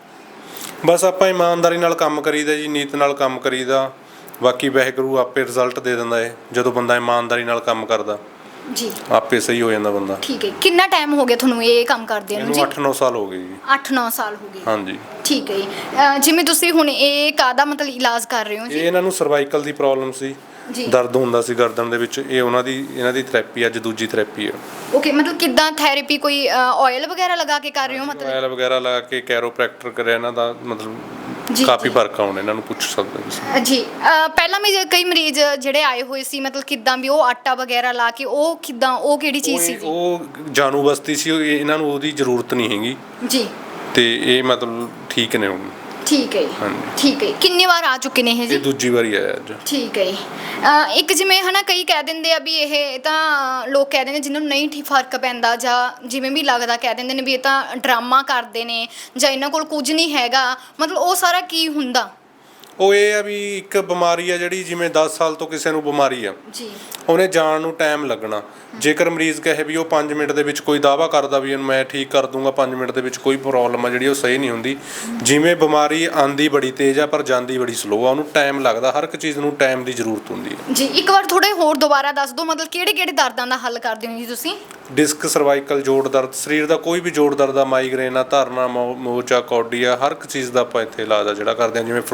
Speaker 6: ਬਸ ਆਪਾਂ ਇਮਾਨਦਾਰੀ ਨਾਲ ਕੰਮ ਕਰੀਦਾ ਜੀ, ਨੀਤ ਨਾਲ ਕੰਮ ਕਰੀਦਾ, ਬਾਕੀ ਵਾਹਿਗੁਰੂ ਆਪੇ ਰਿਜ਼ਲਟ ਦੇ ਦਿੰਦਾ ਹੈ। ਜਦੋਂ ਬੰਦਾ ਇਮਾਨਦਾਰੀ ਨਾਲ ਕੰਮ ਕਰਦਾ
Speaker 2: ਜੀ,
Speaker 6: ਆਪੇ ਸਹੀ ਹੋ ਜਾਂਦਾ ਬੰਦਾ।
Speaker 2: ਠੀਕ ਹੈ। ਕਿੰਨਾ ਟਾਈਮ ਹੋ ਗਿਆ ਤੁਹਾਨੂੰ ਇਹ ਕੰਮ ਕਰਦੇ ਨੂੰ ਜੀ?
Speaker 6: 8-9 ਸਾਲ ਹੋ ਗਏ ਜੀ।
Speaker 2: 8-9 ਸਾਲ ਹੋ ਗਏ,
Speaker 6: ਹਾਂਜੀ।
Speaker 2: ਠੀਕ ਹੈ ਜੀ। ਜਿਵੇਂ ਤੁਸੀਂ ਹੁਣ ਇਹ ਕਾਹਦਾ ਮਤਲਬ ਇਲਾਜ ਕਰ ਰਹੇ ਹੋ ਜੀ?
Speaker 6: ਇਹਨਾਂ ਨੂੰ ਸਰਵਾਈਕਲ ਦੀ ਪ੍ਰੋਬਲਮ ਸੀ
Speaker 2: ਜੀ,
Speaker 6: ਦਰਦ ਹੁੰਦਾ ਸੀ ਗਰਦਨ ਦੇ ਵਿੱਚ, ਇਹ ਇਹਨਾਂ ਦੀ ਥੈਰੇਪੀ ਅੱਜ ਦੂਜੀ ਥੈਰੇਪੀ ਹੈ।
Speaker 2: ਓਕੇ, ਮਤਲਬ ਕਿੱਦਾਂ ਥੈਰੇਪੀ, ਕੋਈ ਆਇਲ ਵਗੈਰਾ ਲਗਾ ਕੇ ਕਰ ਰਹੇ ਹੋ? ਮਤਲਬ
Speaker 6: ਆਇਲ ਵਗੈਰਾ ਲਗਾ ਕੇ ਕੈਰੋਪ੍ਰੈਕਟਰ ਕਰਿਆ ਇਹਨਾਂ ਦਾ, ਮਤਲਬ
Speaker 2: ਜੀ,
Speaker 6: ਕਾਫੀ ਫਰਕ ਆਉਣਾ, ਇਹਨਾਂ ਨੂੰ ਪੁੱਛ ਸਕਦੇ ਤੁਸੀਂ
Speaker 2: ਜੀ। ਪਹਿਲਾਂ ਵੀ ਕਈ ਮਰੀਜ਼ ਜਿਹੜੇ ਆਏ ਹੋਏ ਸੀ, ਮਤਲਬ ਕਿੱਦਾਂ ਵੀ ਉਹ ਆਟਾ ਵਗੈਰਾ ਲਾ ਕੇ, ਉਹ ਕਿੱਦਾਂ, ਉਹ ਕਿਹੜੀ ਚੀਜ਼ ਸੀ ਜੀ?
Speaker 6: ਉਹ ਜਾਨੂ ਬਸਤੀ ਸੀ, ਇਹਨਾਂ ਨੂੰ ਉਹਦੀ ਜ਼ਰੂਰਤ ਨਹੀਂ ਹੈਗੀ
Speaker 2: ਜੀ,
Speaker 6: ਤੇ ਇਹ ਮਤਲਬ ਠੀਕ ਨੇ ਹੁਣ।
Speaker 2: ਠੀਕ ਹੈ ਜੀ,
Speaker 6: ਹਾਂਜੀ।
Speaker 2: ਠੀਕ ਹੈ। ਕਿੰਨੀ ਵਾਰ ਆ ਚੁੱਕੇ ਨੇ ਇਹ ਜੀ?
Speaker 6: ਇਹ ਦੂਜੀ ਵਾਰੀ ਆਇਆ ਅੱਜ।
Speaker 2: ਠੀਕ ਹੈ ਜੀ। ਇੱਕ ਜਿਵੇਂ ਹਨਾ ਕਈ ਕਹਿ ਦਿੰਦੇ ਆ ਵੀ ਇਹ ਤਾਂ ਲੋਕ ਕਹਿ ਦਿੰਦੇ ਜਿਹਨਾਂ ਨੂੰ ਨਹੀਂ ਠੀਕ ਫਰਕ ਪੈਂਦਾ ਜਾਂ ਜਿਵੇਂ ਵੀ ਲੱਗਦਾ, ਕਹਿ ਦਿੰਦੇ ਨੇ ਵੀ ਇਹ ਤਾਂ ਡਰਾਮਾ ਕਰਦੇ ਨੇ ਜਾਂ ਇਹਨਾਂ ਕੋਲ ਕੁਝ ਨਹੀਂ ਹੈਗਾ, ਮਤਲਬ ਉਹ ਸਾਰਾ ਕੀ ਹੁੰਦਾ?
Speaker 6: ਉਹ ਇਹ ਆ ਵੀ ਇੱਕ ਬਿਮਾਰੀ ਆ ਜਿਹੜੀ ਜਿਵੇਂ 10 ਸਾਲ ਤੋਂ ਕਿਸੇ ਨੂੰ ਬਿਮਾਰੀ ਆ
Speaker 2: ਜੀ,
Speaker 6: ਉਹਨੇ ਜਾਣ ਨੂੰ ਟਾਈਮ ਲੱਗਣਾ। ਜੇਕਰ ਮਰੀਜ਼ ਕਹੇ ਵੀ ਉਹ 5 ਮਿੰਟ ਦੇ ਵਿੱਚ, ਕੋਈ ਦਾਅਵਾ ਕਰਦਾ ਵੀ ਮੈਂ ਠੀਕ ਕਰ ਦੂੰਗਾ 5 ਮਿੰਟ ਦੇ ਵਿੱਚ, ਕੋਈ ਪ੍ਰੋਬਲਮ ਆ ਜਿਹੜੀ ਉਹ ਸਹੀ ਨਹੀਂ ਹੁੰਦੀ। ਜਿਵੇਂ ਬਿਮਾਰੀ ਆਂਦੀ ਬੜੀ ਤੇਜ਼ ਆ ਪਰ ਜਾਂਦੀ ਬੜੀ ਸਲੋ ਆ, ਉਹਨੂੰ ਟਾਈਮ ਲੱਗਦਾ, ਹਰ ਇੱਕ ਚੀਜ਼ ਨੂੰ ਟਾਈਮ ਦੀ ਜ਼ਰੂਰਤ ਹੁੰਦੀ ਹੈ
Speaker 2: ਜੀ। ਇੱਕ ਵਾਰ ਥੋੜੇ ਹੋਰ ਦੁਬਾਰਾ ਦੱਸ ਦਿਓ, ਮਤਲਬ ਕਿਹੜੇ ਦਰਦਾਂ ਦਾ ਹੱਲ ਕਰਦੇ ਹੋ ਜੀ ਤੁਸੀਂ?
Speaker 6: ਡਿਸਕ, ਸਰਵਾਈਕਲ, ਜੋੜ ਦਰਦ, ਸਰੀਰ ਦਾ ਕੋਈ ਵੀ ਜੋੜ ਦਰਦ ਆ, ਮਾਈਗ੍ਰੇਨ ਆ, ਧਰਨਾ, ਮੋਚ ਆ, ਕੌਡੀ ਆ, ਹਰ ਇੱਕ ਚੀਜ਼ ਦਾ ਆਪਾਂ ਇੱਥੇ ਇਲਾਜ ਆ ਜਿਹੜਾ ਕਰਦੇ ਹਾਂ। ਜਿਵੇਂ ਫਰੋਜ਼ਨ ਸ਼ੋਲਡਰ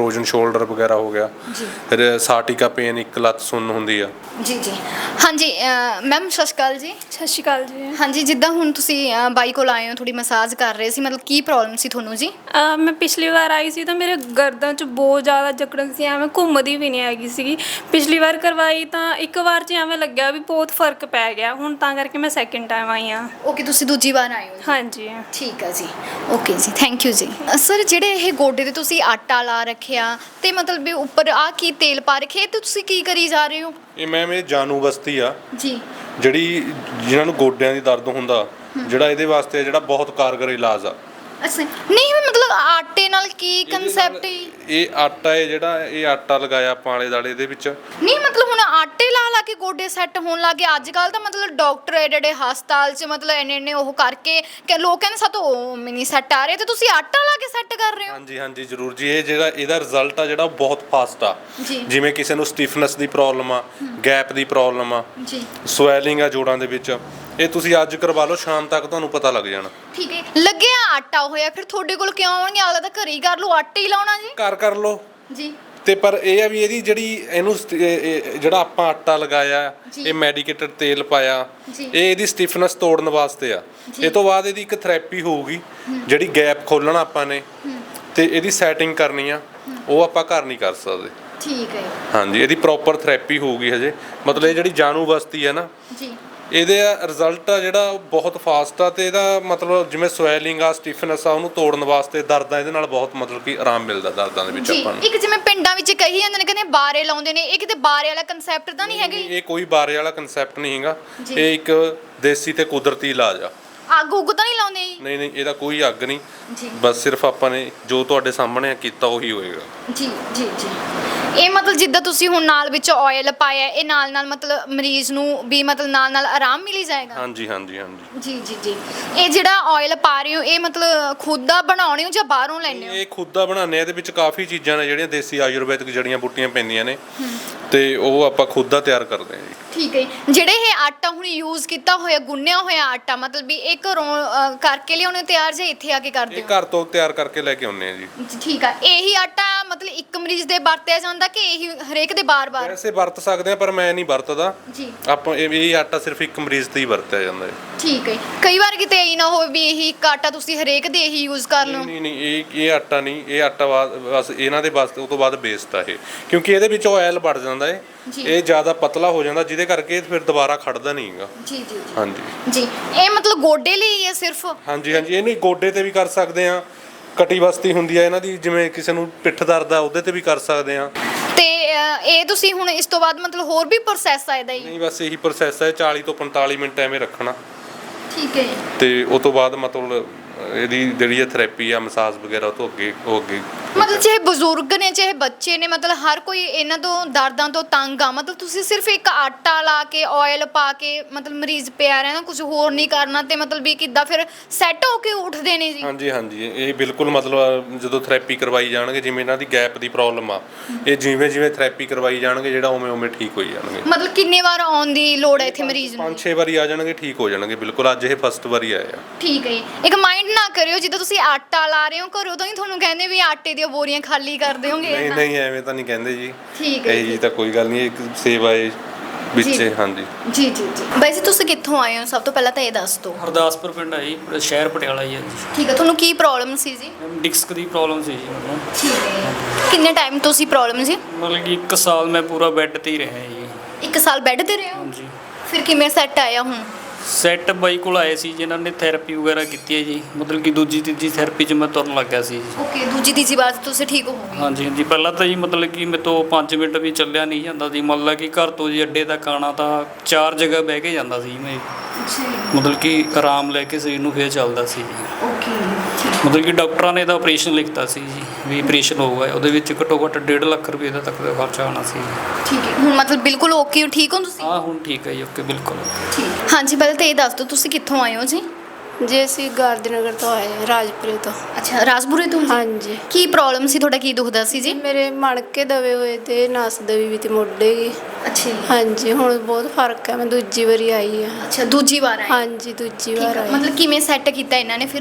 Speaker 6: ਸ਼ੋਲਡਰ ਵਗੈਰਾ ਹੋ ਗਿਆ, ਫਿਰ ਸਾਟਿਕਾ ਪੇਨ, ਇੱਕ ਲੱਤ ਸੁੰਨ ਹੁੰਦੀ ਆ।
Speaker 2: ਜੀ ਜੀ ਹਾਂਜੀ ਮੈਮ ਸਤਿ ਸ਼੍ਰੀ ਅਕਾਲ ਜੀ।
Speaker 7: ਸਤਿ ਸ਼੍ਰੀ ਅਕਾਲ ਜੀ।
Speaker 2: ਹਾਂਜੀ ਜਿੱਦਾਂ ਹੁਣ ਤੁਸੀਂ ਬਾਈ ਕੋਲ ਆਏ ਹੋ, ਥੋੜੀ ਮਸਾਜ ਕਰ ਰਹੇ ਸੀ, ਮਤਲਬ ਕੀ ਪ੍ਰੋਬਲਮ ਸੀ ਤੁਹਾਨੂੰ ਜੀ?
Speaker 7: ਮੈਂ ਪਿਛਲੀ ਵਾਰ ਆਈ ਸੀ ਤਾਂ ਮੇਰੇ ਗਰਦਨ 'ਚ ਬਹੁਤ ਜ਼ਿਆਦਾ ਜਕੜਨ ਸੀ, ਐਵੇਂ ਘੁੰਮਦੀ ਵੀ ਨਹੀਂ ਹੈਗੀ ਸੀਗੀ। ਪਿਛਲੀ ਵਾਰ ਕਰਵਾਈ ਤਾਂ ਇੱਕ ਵਾਰ 'ਚ ਐਵੇਂ ਲੱਗਿਆ ਵੀ ਬਹੁਤ ਫਰਕ ਪੈ ਗਿਆ, ਹੁਣ ਤਾਂ ਕਰਕੇ ਮੈਂ ਸੈਕਿੰਡ ਟਾਈਮ ਆਈ ਹਾਂ।
Speaker 2: ਓਕੇ ਤੁਸੀਂ ਦੂਜੀ ਵਾਰ ਆਏ ਹੋ ਜੀ?
Speaker 7: ਹਾਂਜੀ
Speaker 2: ਠੀਕ ਹੈ ਜੀ। ਓਕੇ ਜੀ ਥੈਂਕ ਯੂ ਜੀ। ਸਰ ਜਿਹੜੇ ਇਹ ਗੋਡੇ ਤੇ ਤੁਸੀਂ ਆਟਾ ਲਾ ਰੱਖਿਆ ਤੇ ਮਤਲਬ ਵੀ ਉੱਪਰ ਆ ਕੀ ਤੇਲ ਪਾ ਰੱਖਿਆ, ਤੇ ਤੁਸੀਂ ਕੀ ਕਰੀ ਜਾ ਰਹੇ ਹੋ?
Speaker 6: ਇਹ ਮੈਮ ਇਹ ਜਾਨੂ ਬਸਤੀ ਆ
Speaker 2: ਜੀ,
Speaker 6: ਜਿਹੜੀ ਜਿਨ੍ਹਾਂ ਨੂੰ ਗੋਡਿਆਂ ਦੀ ਦਰਦ ਹੁੰਦਾ, ਜਿਹੜਾ ਇਹਦੇ ਵਾਸਤੇ ਜਿਹੜਾ ਬਹੁਤ ਕਾਰਗਰ ਇਲਾਜ ਆ।
Speaker 2: ਅੱਛਾ ਨਹੀਂ ਮਤਲਬ ਆਟੇ ਨਾਲ ਕੀ ਕਨਸੈਪਟ ਹੈ?
Speaker 6: ਇਹ ਆਟਾ ਹੈ ਜਿਹੜਾ, ਇਹ ਆਟਾ ਲਗਾਇਆ ਆਪਾਂ ਆਲੇ ਦੁਆਲੇ ਦੇ ਵਿੱਚ।
Speaker 2: ਨਹੀਂ ਮਤਲਬ ਹੁਣ ਆਟੇ ਲਾ ਲਾ ਕੇ ਗੋਡੇ ਸੈੱਟ ਹੋਣ ਲੱਗੇ ਅੱਜ ਕੱਲ ਤਾਂ, ਮਤਲਬ ਡਾਕਟਰ ਐਡੇ ਹਸਪਤਾਲ 'ਚ ਮਤਲਬ ਇੰਨੇ ਉਹ ਕਰਕੇ ਕਿ ਲੋਕ ਕਹਿੰਦੇ ਸਾਤੋਂ ਉਹ ਨਹੀਂ ਸੈੱਟ ਆ ਰਹੇ, ਤੇ ਤੁਸੀਂ ਆਟਾ ਲਾ ਕੇ ਸੈੱਟ ਕਰ ਰਹੇ ਹੋ?
Speaker 6: ਹਾਂਜੀ ਹਾਂਜੀ ਜ਼ਰੂਰ ਜੀ। ਇਹ ਜਿਹੜਾ ਇਹਦਾ ਰਿਜ਼ਲਟ ਆ ਜਿਹੜਾ ਉਹ ਬਹੁਤ ਫਾਸਟ ਆ। ਜਿਵੇਂ ਕਿਸੇ ਨੂੰ ਸਟਿਫਨੈਸ ਦੀ ਪ੍ਰੋਬਲਮ ਆ, ਗੈਪ ਦੀ ਪ੍ਰੋਬਲਮ ਆ,
Speaker 2: ਜੀ
Speaker 6: ਸਵੈਲਿੰਗ ਆ ਜੋੜਾਂ ਦੇ ਵਿੱਚ, ਇਹ ਤੁਸੀਂ ਅੱਜ ਕਰਵਾ ਲਓ, ਸ਼ਾਮ ਤੱਕ ਤੁਹਾਨੂੰ ਪਤਾ ਲੱਗ ਜਾਣਾ।
Speaker 2: ਠੀਕ ਹੈ। ਲੱਗਿਆ ਆਟਾ ਹੋਇਆ ਫਿਰ ਤੁਹਾਡੇ ਕੋਲ ਕਿਉਂ ਆਉਣਗੇ? ਅਗਲਾ ਤਾਂ ਘਰੇ ਹੀ ਕਰ ਲਓ, ਆਟਾ ਹੀ ਲਾਉਣਾ ਜੀ।
Speaker 6: ਘਰ ਕਰ ਲਓ
Speaker 2: ਜੀ।
Speaker 6: ਤੇ ਪਰ ਇਹ ਆ ਵੀ ਇਹਦੀ ਜਿਹੜੀ ਇਹਨੂੰ ਜਿਹੜਾ ਆਪਾਂ ਆਟਾ ਲਗਾਇਆ, ਇਹ ਮੈਡੀਕੇਟਡ ਤੇਲ ਪਾਇਆ, ਇਹ ਇਹਦੀ ਸਟਿਫਨੈਸ ਤੋੜਨ ਵਾਸਤੇ ਆ। ਇਹ ਤੋਂ ਬਾਅਦ ਇਹਦੀ ਇੱਕ ਥੈਰੇਪੀ ਹੋਊਗੀ, ਜਿਹੜੀ ਗੈਪ ਖੋਲਣਾ ਆਪਾਂ ਨੇ ਤੇ ਇਹਦੀ ਸੈਟਿੰਗ ਕਰਨੀ ਆ, ਉਹ ਆਪਾਂ ਘਰ ਨਹੀਂ ਕਰ ਸਕਦੇ।
Speaker 2: ਠੀਕ ਹੈ।
Speaker 6: ਹਾਂਜੀ ਇਹਦੀ ਪ੍ਰੋਪਰ ਥੈਰੇਪੀ ਹੋਊਗੀ ਹਜੇ। ਮਤਲਬ ਇਹ ਜਿਹੜੀ ਜਾਨੂ ਬਸਤੀ ਹੈ ਨਾ
Speaker 2: ਜੀ,
Speaker 6: ਇਹਦੇ ਰਿਜ਼ਲਟ ਆ ਜਿਹੜਾ ਉਹ ਬਹੁਤ ਫਾਸਟ ਆ, ਤੇ ਇਹਦਾ ਮਤਲਬ ਜਿਵੇਂ ਸਵੈਲਿੰਗ ਆ, ਸਟਿਫਨੈਸ ਆ, ਉਹਨੂੰ ਤੋੜਨ ਵਾਸਤੇ, ਦਰਦਾਂ ਇਹਦੇ ਨਾਲ ਬਹੁਤ ਮਤਲਬ ਕਿ ਆਰਾਮ ਮਿਲਦਾ ਦਰਦਾਂ ਦੇ ਵਿੱਚ ਆਪਾਂ ਨੂੰ।
Speaker 2: ਇੱਕ ਜਿਵੇਂ ਪਿੰਡਾਂ ਵਿੱਚ ਕਹੀ ਜਾਂਦੇ ਨੇ ਕਹਿੰਦੇ ਬਾਰੇ ਲਾਉਂਦੇ ਨੇ, ਇਹ ਕਿਤੇ ਬਾਰੇ ਵਾਲਾ ਕਨਸੈਪਟ ਤਾਂ ਨਹੀਂ ਹੈਗਾ?
Speaker 6: ਇਹ ਕੋਈ ਬਾਰੇ ਵਾਲਾ ਕਨਸੈਪਟ ਨਹੀਂ ਹੈਗਾ, ਇਹ ਇੱਕ ਦੇਸੀ ਤੇ ਕੁਦਰਤੀ ਇਲਾਜ ਆ।
Speaker 2: ਅੱਗ ਉੱਗ ਤਾਂ ਨਹੀਂ ਲਾਉਂਦੇ ਜੀ?
Speaker 6: ਨਹੀਂ ਨਹੀਂ ਇਹਦਾ ਕੋਈ ਅੱਗ ਨਹੀਂ, ਬਸ ਸਿਰਫ ਆਪਾਂ ਨੇ ਜੋ ਤੁਹਾਡੇ ਸਾਹਮਣੇ ਕੀਤਾ ਉਹੀ ਹੋਏਗਾ।
Speaker 2: ਜੀ ਜੀ ਜੀ। ਇਹ ਮਤਲਬ ਜਿੱਦਾਂ ਤੁਸੀਂ ਹੁਣ ਨਾਲ ਵਿੱਚ ਆਇਲ ਪਾਇਆ, ਇਹ ਨਾਲ ਮਤਲਬ ਮਰੀਜ਼ ਨੂੰ ਵੀ ਮਤਲਬ ਨਾਲ ਆਰਾਮ ਮਿਲੀ ਜਾਏਗਾ?
Speaker 6: ਹਾਂਜੀ ਹਾਂਜੀ ਹਾਂਜੀ
Speaker 2: ਜੀ ਜੀ ਜੀ। ਇਹ ਜਿਹੜਾ ਆਇਲ ਪਾ ਰਹੇ ਹੋ, ਇਹ ਮਤਲਬ ਖੁਦ ਦਾ ਬਣਾਉਣੇ ਹੋ ਜਾਂ ਬਾਹਰੋਂ ਲੈਣੇ ਹੋ?
Speaker 6: ਇਹ ਖੁਦ ਦਾ ਬਣਾਉਂਦੇ ਆ। ਇਹਦੇ ਵਿੱਚ ਕਾਫੀ ਚੀਜ਼ਾਂ ਨੇ ਜਿਹੜੀਆਂ ਦੇਸੀ ਆਯੁਰਵੈਦਿਕ ਜੜੀਆਂ ਬੂਟੀਆਂ ਪੈਂਦੀਆਂ ਨੇ, ਤੇ ਉਹ ਆਪਾਂ ਖੁਦ ਦਾ ਤਿਆਰ ਕਰਦੇ ਹਾਂ ਜੀ।
Speaker 2: ਠੀਕ ਹੈ। ਜਿਹੜੇ ਇਹ ਆਟਾ ਹੁਣ ਯੂਜ਼ ਕੀਤਾ ਹੋਇਆ, ਗੁੰਨਿਆ ਹੋਇਆ ਆਟਾ, ਮਤਲਬ ਵੀ ਇਹ ਘਰੋਂ ਕਰਕੇ ਲਿਆਉਣੇ ਤਿਆਰ ਜਾਂ ਇੱਥੇ ਆ ਕੇ ਕਰਦੇ ਹੋ?
Speaker 6: ਇਹ ਘਰ ਤੋਂ ਤਿਆਰ ਕਰਕੇ ਲੈ ਕੇ ਆਉਂਦੇ ਆ ਜੀ।
Speaker 2: ਠੀਕ ਆ। ਇਹੀ ਆਟਾ ਮਤਲਬ ਇੱਕ ਮਰੀਜ਼ ਦੇ ਵਰਤਿਆ ਜਾਂਦਾ ਕਿ ਇਹੀ ਹਰੇਕ ਦੇ ਬਾਰ-ਬਾਰ?
Speaker 6: ਵੈਸੇ ਵਰਤ ਸਕਦੇ ਆ, ਪਰ ਮੈਂ ਨਹੀਂ ਵਰਤਦਾ
Speaker 2: ਜੀ।
Speaker 6: ਆਪਾਂ ਇਹ ਆਟਾ ਸਿਰਫ ਇੱਕ ਮਰੀਜ਼ ਤੇ ਹੀ ਵਰਤਿਆ ਜਾਂਦਾ ਹੈ।
Speaker 2: ਠੀਕ ਹੈ। ਕਈ ਵਾਰ ਕਿਤੇ ਇਹ ਨਾ ਹੋਵੇ ਵੀ ਇਹੀ ਇੱਕ ਆਟਾ ਤੁਸੀਂ ਹਰੇਕ ਦੇ ਇਹੀ ਯੂਜ਼ ਕਰ ਲਓ?
Speaker 6: ਨਹੀਂ ਨਹੀਂ ਇਹ ਆਟਾ ਨਹੀਂ, ਇਹ ਆਟਾ ਬਸ ਇਹਨਾਂ ਦੇ ਵਾਸਤੇ, ਉਹ ਤੋਂ ਬਾਅਦ ਬੇਸਟ ਆ ਇਹ, ਕਿਉਂਕਿ ਇਹਦੇ ਵਿੱਚ ਆਇਲ ਵੜ ਜਾਂਦਾ ਹੈ, ਇਹ ਜ਼ਿਆਦਾ ਪਤਲਾ ਹੋ ਜਾਂਦਾ, ਜਿਹਦੇ ਕਰਕੇ ਫਿਰ ਦੁਬਾਰਾ ਖੜਦਾ ਨਹੀਂ ਹੈਗਾ।
Speaker 2: ਜੀ ਜੀ
Speaker 6: ਹਾਂਜੀ
Speaker 2: ਜੀ। ਇਹ ਮਤਲਬ ਗੋਡੇ ਲਈ ਹੈ ਸਿਰਫ?
Speaker 6: ਹਾਂਜੀ ਹਾਂਜੀ। ਇਹਨੂੰ ਗੋਡੇ ਤੇ ਵੀ ਕਰ ਸਕਦੇ ਆ, ਕਟੀ ਬਸਤੀ ਹੁੰਦੀ ਆ ਇਹਨਾਂ ਦੀ, ਜਿਵੇਂ ਕਿਸੇ ਨੂੰ ਪਿੱਠ ਦਰਦ ਆ ਉਹਦੇ ਤੇ ਵੀ ਕਰ ਸਕਦੇ ਆ।
Speaker 2: ਤੇ ਇਹ ਤੁਸੀਂ ਹੁਣ ਇਸ ਤੋਂ ਬਾਅਦ ਮਤਲਬ ਹੋਰ ਵੀ ਪ੍ਰੋਸੈਸ ਆ ਇਹਦਾ ਹੀ?
Speaker 6: ਨਹੀਂ ਬਸ ਇਹੀ ਪ੍ਰੋਸੈਸ ਹੈ, 40 ਤੋਂ 45 ਮਿੰਟ ਐਵੇਂ ਰੱਖਣਾ।
Speaker 2: ਠੀਕ ਹੈ।
Speaker 6: ਤੇ ਉਸ ਤੋਂ ਬਾਅਦ ਮਤਲਬ ਇਹਦੀ ਜਿਹੜੀ ਥੈਰੇਪੀ ਆ, ਮਸਾਜ ਵਗੈਰਾ, ਉਹ ਤੋਂ ਅੱਗੇ
Speaker 2: ਮਤਲਬ ਚਾਹੇ ਬਜ਼ੁਰਗ ਨੇ ਚਾਹੇ ਬੱਚੇ ਨੇ, ਮਤਲਬ ਹਰ ਕੋਈ ਇਹਨਾਂ ਤੋਂ ਦਰਦਾਂ ਤੋਂ ਤੰਗ ਆ, ਮਤਲਬ ਤੁਸੀਂ ਸਿਰਫ ਇੱਕ ਆਟਾ ਲਾ ਕੇ ਆਇਲ ਪਾ ਕੇ ਮਤਲਬ ਮਰੀਜ਼ ਪਿਆ ਰਹਿਣਾ, ਕੁਝ ਹੋਰ ਨਹੀਂ ਕਰਨਾ, ਤੇ ਮਤਲਬ ਵੀ ਕਿੱਦਾਂ ਫਿਰ ਸੈੱਟ ਹੋ ਕੇ ਉੱਠਦੇ ਨੇ ਜੀ?
Speaker 6: ਹਾਂਜੀ ਹਾਂਜੀ। ਇਹ ਬਿਲਕੁਲ ਮਤਲਬ ਜਦੋਂ ਥੈਰੇਪੀ ਕਰਵਾਈ ਜਾਣਗੇ, ਜਿਵੇਂ ਇਹਨਾਂ ਦੀ ਗੈਪ ਦੀ ਪ੍ਰੋਬਲਮ ਆ, ਇਹ ਜਿਵੇਂ ਥੈਰੇਪੀ ਕਰਵਾਈ ਜਾਣਗੇ, ਜਿਹੜਾ ਉਵੇਂ ਠੀਕ ਹੋਈ ਜਾਣਗੇ।
Speaker 2: ਮਤਲਬ ਕਿੰਨੇ ਵਾਰ ਆਉਣ ਦੀ ਲੋੜ ਹੈ ਇੱਥੇ ਮਰੀਜ਼ ਨੂੰ?
Speaker 6: 5-6 ਵਾਰੀ ਆ ਜਾਣਗੇ, ਠੀਕ ਹੋ ਜਾਣਗੇ ਬਿਲਕੁਲ। ਅੱਜ ਇਹ ਫਸਟ ਵਾਰੀ ਆਏ ਆ।
Speaker 2: ਠੀਕ ਹੈ। ਇੱਕ ਮਾਈਂਡ ਨਾ ਕਰਿਓ ਜਿੱਦਾਂ ਤੁਸੀਂ ਆਟਾ ਲਾ ਰਹੇ ਹੋ ਘਰੋਂ ਤਾਂ ਹੀ ਤੁਹਾਨੂੰ ਕਹਿੰਦੇ ਵੀ ਆਟੇ ਦੀਆਂ ਬੋਰੀਆਂ ਖਾਲੀ ਕਰ ਦਿਓਗੇ?
Speaker 6: ਨਹੀਂ ਨਹੀਂ ਐਵੇਂ ਤਾਂ ਨਹੀਂ ਕਹਿੰਦੇ ਜੀ।
Speaker 2: ਠੀਕ ਹੈ
Speaker 6: ਜੀ। ਤਾਂ ਕੋਈ ਗੱਲ ਨਹੀਂ, ਇੱਕ ਸੇਵਾ ਹੈ ਵਿੱਚ। ਹਾਂਜੀ
Speaker 2: ਜੀ ਜੀ ਜੀ। ਵੈਸੇ ਤੁਸੀਂ ਕਿੱਥੋਂ ਆਏ ਹੋ? ਸਭ ਤੋਂ ਪਹਿਲਾਂ ਤਾਂ ਇਹ ਦੱਸ ਦਿਓ।
Speaker 4: ਹਰਦਾਸਪੁਰ ਪਿੰਡ ਹੈ ਜੀ, ਸ਼ਹਿਰ ਪਟਿਆਲਾ ਹੀ ਹੈ ਜੀ।
Speaker 2: ਠੀਕ ਹੈ। ਤੁਹਾਨੂੰ ਕੀ ਪ੍ਰੋਬਲਮ ਸੀ ਜੀ?
Speaker 4: ਡਿਸਕ ਦੀ ਪ੍ਰੋਬਲਮ ਸੀ ਜੀ ਮੈਨੂੰ।
Speaker 2: ਠੀਕ ਹੈ। ਕਿੰਨੇ ਟਾਈਮ ਤੋਂ ਸੀ ਪ੍ਰੋਬਲਮ ਜੀ?
Speaker 4: ਮਤਲਬ ਕਿ 1 ਸਾਲ ਮੈਂ ਪੂਰਾ ਬੈੱਡ ਤੇ ਹੀ ਰਿਹਾ ਜੀ।
Speaker 2: 1 ਸਾਲ ਬੈੱਡ ਤੇ ਰਹੇ ਹੋ?
Speaker 4: ਹਾਂਜੀ।
Speaker 2: ਫਿਰ ਕਿਵੇਂ ਸੈੱਟ ਆਇਆ ਹੁਣ?
Speaker 4: ਸੈੱਟ ਬਾਈ ਕੋਲ ਆਏ ਸੀ ਜਿਨ੍ਹਾਂ ਨੇ ਥੈਰੇਪੀ ਵਗੈਰਾ ਕੀਤੀ ਹੈ ਜੀ, ਮਤਲਬ ਕਿ ਦੂਜੀ ਤੀਜੀ ਥੈਰੇਪੀ 'ਚ ਮੈਂ ਤੁਰਨ ਲੱਗ ਗਿਆ ਸੀ ਜੀ।
Speaker 2: ਓਕੇ। ਦੂਜੀ ਤੀਜੀ ਵਾਰ ਤੁਸੀਂ ਠੀਕ ਹੋ ਗਏ?
Speaker 4: ਹਾਂਜੀ ਹਾਂਜੀ। ਪਹਿਲਾਂ ਤਾਂ ਜੀ ਮਤਲਬ ਕਿ ਮੇਰੇ ਤੋਂ 5 ਮਿੰਟ ਵੀ ਚੱਲਿਆ ਨਹੀਂ ਜਾਂਦਾ ਸੀ, ਮਤਲਬ ਕਿ ਘਰ ਤੋਂ ਜੀ ਅੱਡੇ ਤੱਕ ਆਉਣਾ ਤਾਂ 4 ਜਗ੍ਹਾ ਬਹਿ ਕੇ ਜਾਂਦਾ ਸੀ ਮੈਂ, ਮਤਲਬ ਕਿ ਆਰਾਮ ਲੈ ਕੇ ਸਰੀਰ ਨੂੰ ਫਿਰ ਚੱਲਦਾ ਸੀ ਜੀ।
Speaker 2: ਓਕੇ।
Speaker 4: ਮਤਲਬ ਕਿ ਡਾਕਟਰਾਂ ਨੇ ਤਾਂ ਆਪਰੇਸ਼ਨ ਲਿਖਤਾ ਸੀ ਜੀ, ਵੀ ਆਪਰੇਸ਼ਨ ਹੋਊਗਾ, ਉਹਦੇ ਵਿੱਚ ਘੱਟੋ ਘੱਟ 1.5 ਲੱਖ ਰੁਪਏ ਦਾ ਤੱਕ ਦਾ ਖਰਚਾ ਆਉਣਾ ਸੀ।
Speaker 2: ਠੀਕ ਹੈ। ਹੁਣ ਮਤਲਬ ਬਿਲਕੁਲ ਓਕੇ ਹੋ, ਠੀਕ ਹੋ ਤੁਸੀਂ?
Speaker 4: ਹਾਂ ਹੁਣ ਠੀਕ ਹੈ ਜੀ, ਓਕੇ ਬਿਲਕੁਲ।
Speaker 2: ਠੀਕ। ਹਾਂਜੀ ਪਹਿਲਾਂ ਤਾਂ ਇਹ ਦੱਸ ਦਿਓ ਤੁਸੀਂ ਕਿੱਥੋਂ ਆਏ ਹੋ ਜੀ?
Speaker 8: ਜੀ ਅਸੀਂ ਗਾਰਧੀਨਗਰ ਤੋਂ ਆਏ ਹਾਂ, ਰਾਜਪੁਰੇ ਤੋਂ।
Speaker 2: ਅੱਛਾ ਰਾਜਪੁਰੇ ਤੋਂ?
Speaker 8: ਹਾਂਜੀ।
Speaker 2: ਕੀ ਪ੍ਰੋਬਲਮ ਸੀ ਤੁਹਾਡਾ, ਕੀ ਦੁਖਦਾ ਸੀ ਜੀ?
Speaker 8: ਮੇਰੇ ਮਣਕੇ ਦਵੇ ਹੋਏ ਤੇ ਨਸ ਦਵੀ ਵੀ ਤੇ ਮੋਢੇ ਗਏ।
Speaker 2: ਅੱਛਾ ਜੀ।
Speaker 8: ਹਾਂਜੀ ਹੁਣ ਬਹੁਤ ਫਰਕ ਹੈ, ਮੈਂ ਦੂਜੀ ਵਾਰੀ ਆਈ ਹਾਂ।
Speaker 2: ਅੱਛਾ ਦੂਜੀ ਵਾਰ ਆਏ?
Speaker 8: ਹਾਂਜੀ ਦੂਜੀ ਵਾਰ ਆਈ।
Speaker 2: ਮਤਲਬ ਕਿਵੇਂ ਸੈੱਟ ਕੀਤਾ ਇਹਨਾਂ ਨੇ ਫਿਰ?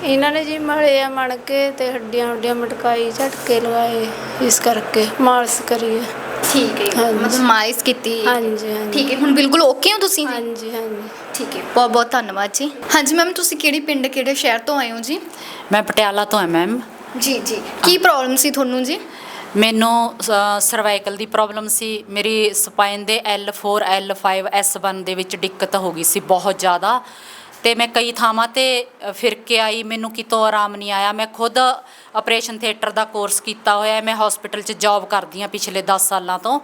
Speaker 8: ਇਹਨਾਂ ਨੇ ਜੀ ਮਲੇ ਆ ਮਣ ਕੇ ਤੇ ਹੱਡੀਆਂ ਮਟਕਾਈ ਝਟਕੇ ਲਵਾਏ, ਇਸ ਕਰਕੇ ਮਾਲਸ਼ ਕਰੀਏ।
Speaker 2: ਠੀਕ ਹੈ,
Speaker 8: ਹਾਂਜੀ।
Speaker 2: ਮਤਲਬ ਮਾਲਿਸ਼ ਕੀਤੀ।
Speaker 8: ਹਾਂਜੀ ਹਾਂਜੀ
Speaker 2: ਠੀਕ ਹੈ, ਹੁਣ ਬਿਲਕੁਲ ਓਕੇ ਹੋ ਤੁਸੀਂ ਜੀ?
Speaker 8: ਹਾਂਜੀ ਹਾਂਜੀ।
Speaker 2: ਠੀਕ ਹੈ, ਬਹੁਤ ਬਹੁਤ ਧੰਨਵਾਦ ਜੀ। ਹਾਂਜੀ ਮੈਮ, ਤੁਸੀਂ ਕਿਹੜੀ ਪਿੰਡ ਕਿਹੜੇ ਸ਼ਹਿਰ ਤੋਂ ਆਏ ਹੋ ਜੀ?
Speaker 10: ਮੈਂ ਪਟਿਆਲਾ ਤੋਂ ਹਾਂ ਮੈਮ।
Speaker 2: ਜੀ ਜੀ, ਕੀ ਪ੍ਰੋਬਲਮ ਸੀ ਤੁਹਾਨੂੰ ਜੀ?
Speaker 10: ਮੈਨੂੰ ਸਰਵਾਈਕਲ ਦੀ ਪ੍ਰੋਬਲਮ ਸੀ। ਮੇਰੀ ਸਪਾਈਨ ਦੇ L4 L5 S1 ਦੇ ਵਿੱਚ ਦਿੱਕਤ ਹੋ ਗਈ ਸੀ ਬਹੁਤ ਜ਼ਿਆਦਾ, ਤੇ ਮੈਂ ਕਈ ਥਾਵਾਂ ਤੇ ਫਿਰ ਕੇ ਆਈ, ਮੈਨੂੰ ਕਿਤੋਂ ਆਰਾਮ ਨਹੀਂ ਆਇਆ। ਮੈਂ ਖੁਦ ਆਪਰੇਸ਼ਨ ਥੀਏਟਰ ਦਾ ਕੋਰਸ ਕੀਤਾ ਹੋਇਆ, ਮੈਂ ਹਸਪੀਟਲ 'ਚ ਜੌਬ ਕਰਦੀ ਹਾਂ ਪਿਛਲੇ 10 ਸਾਲਾਂ ਤੋਂ,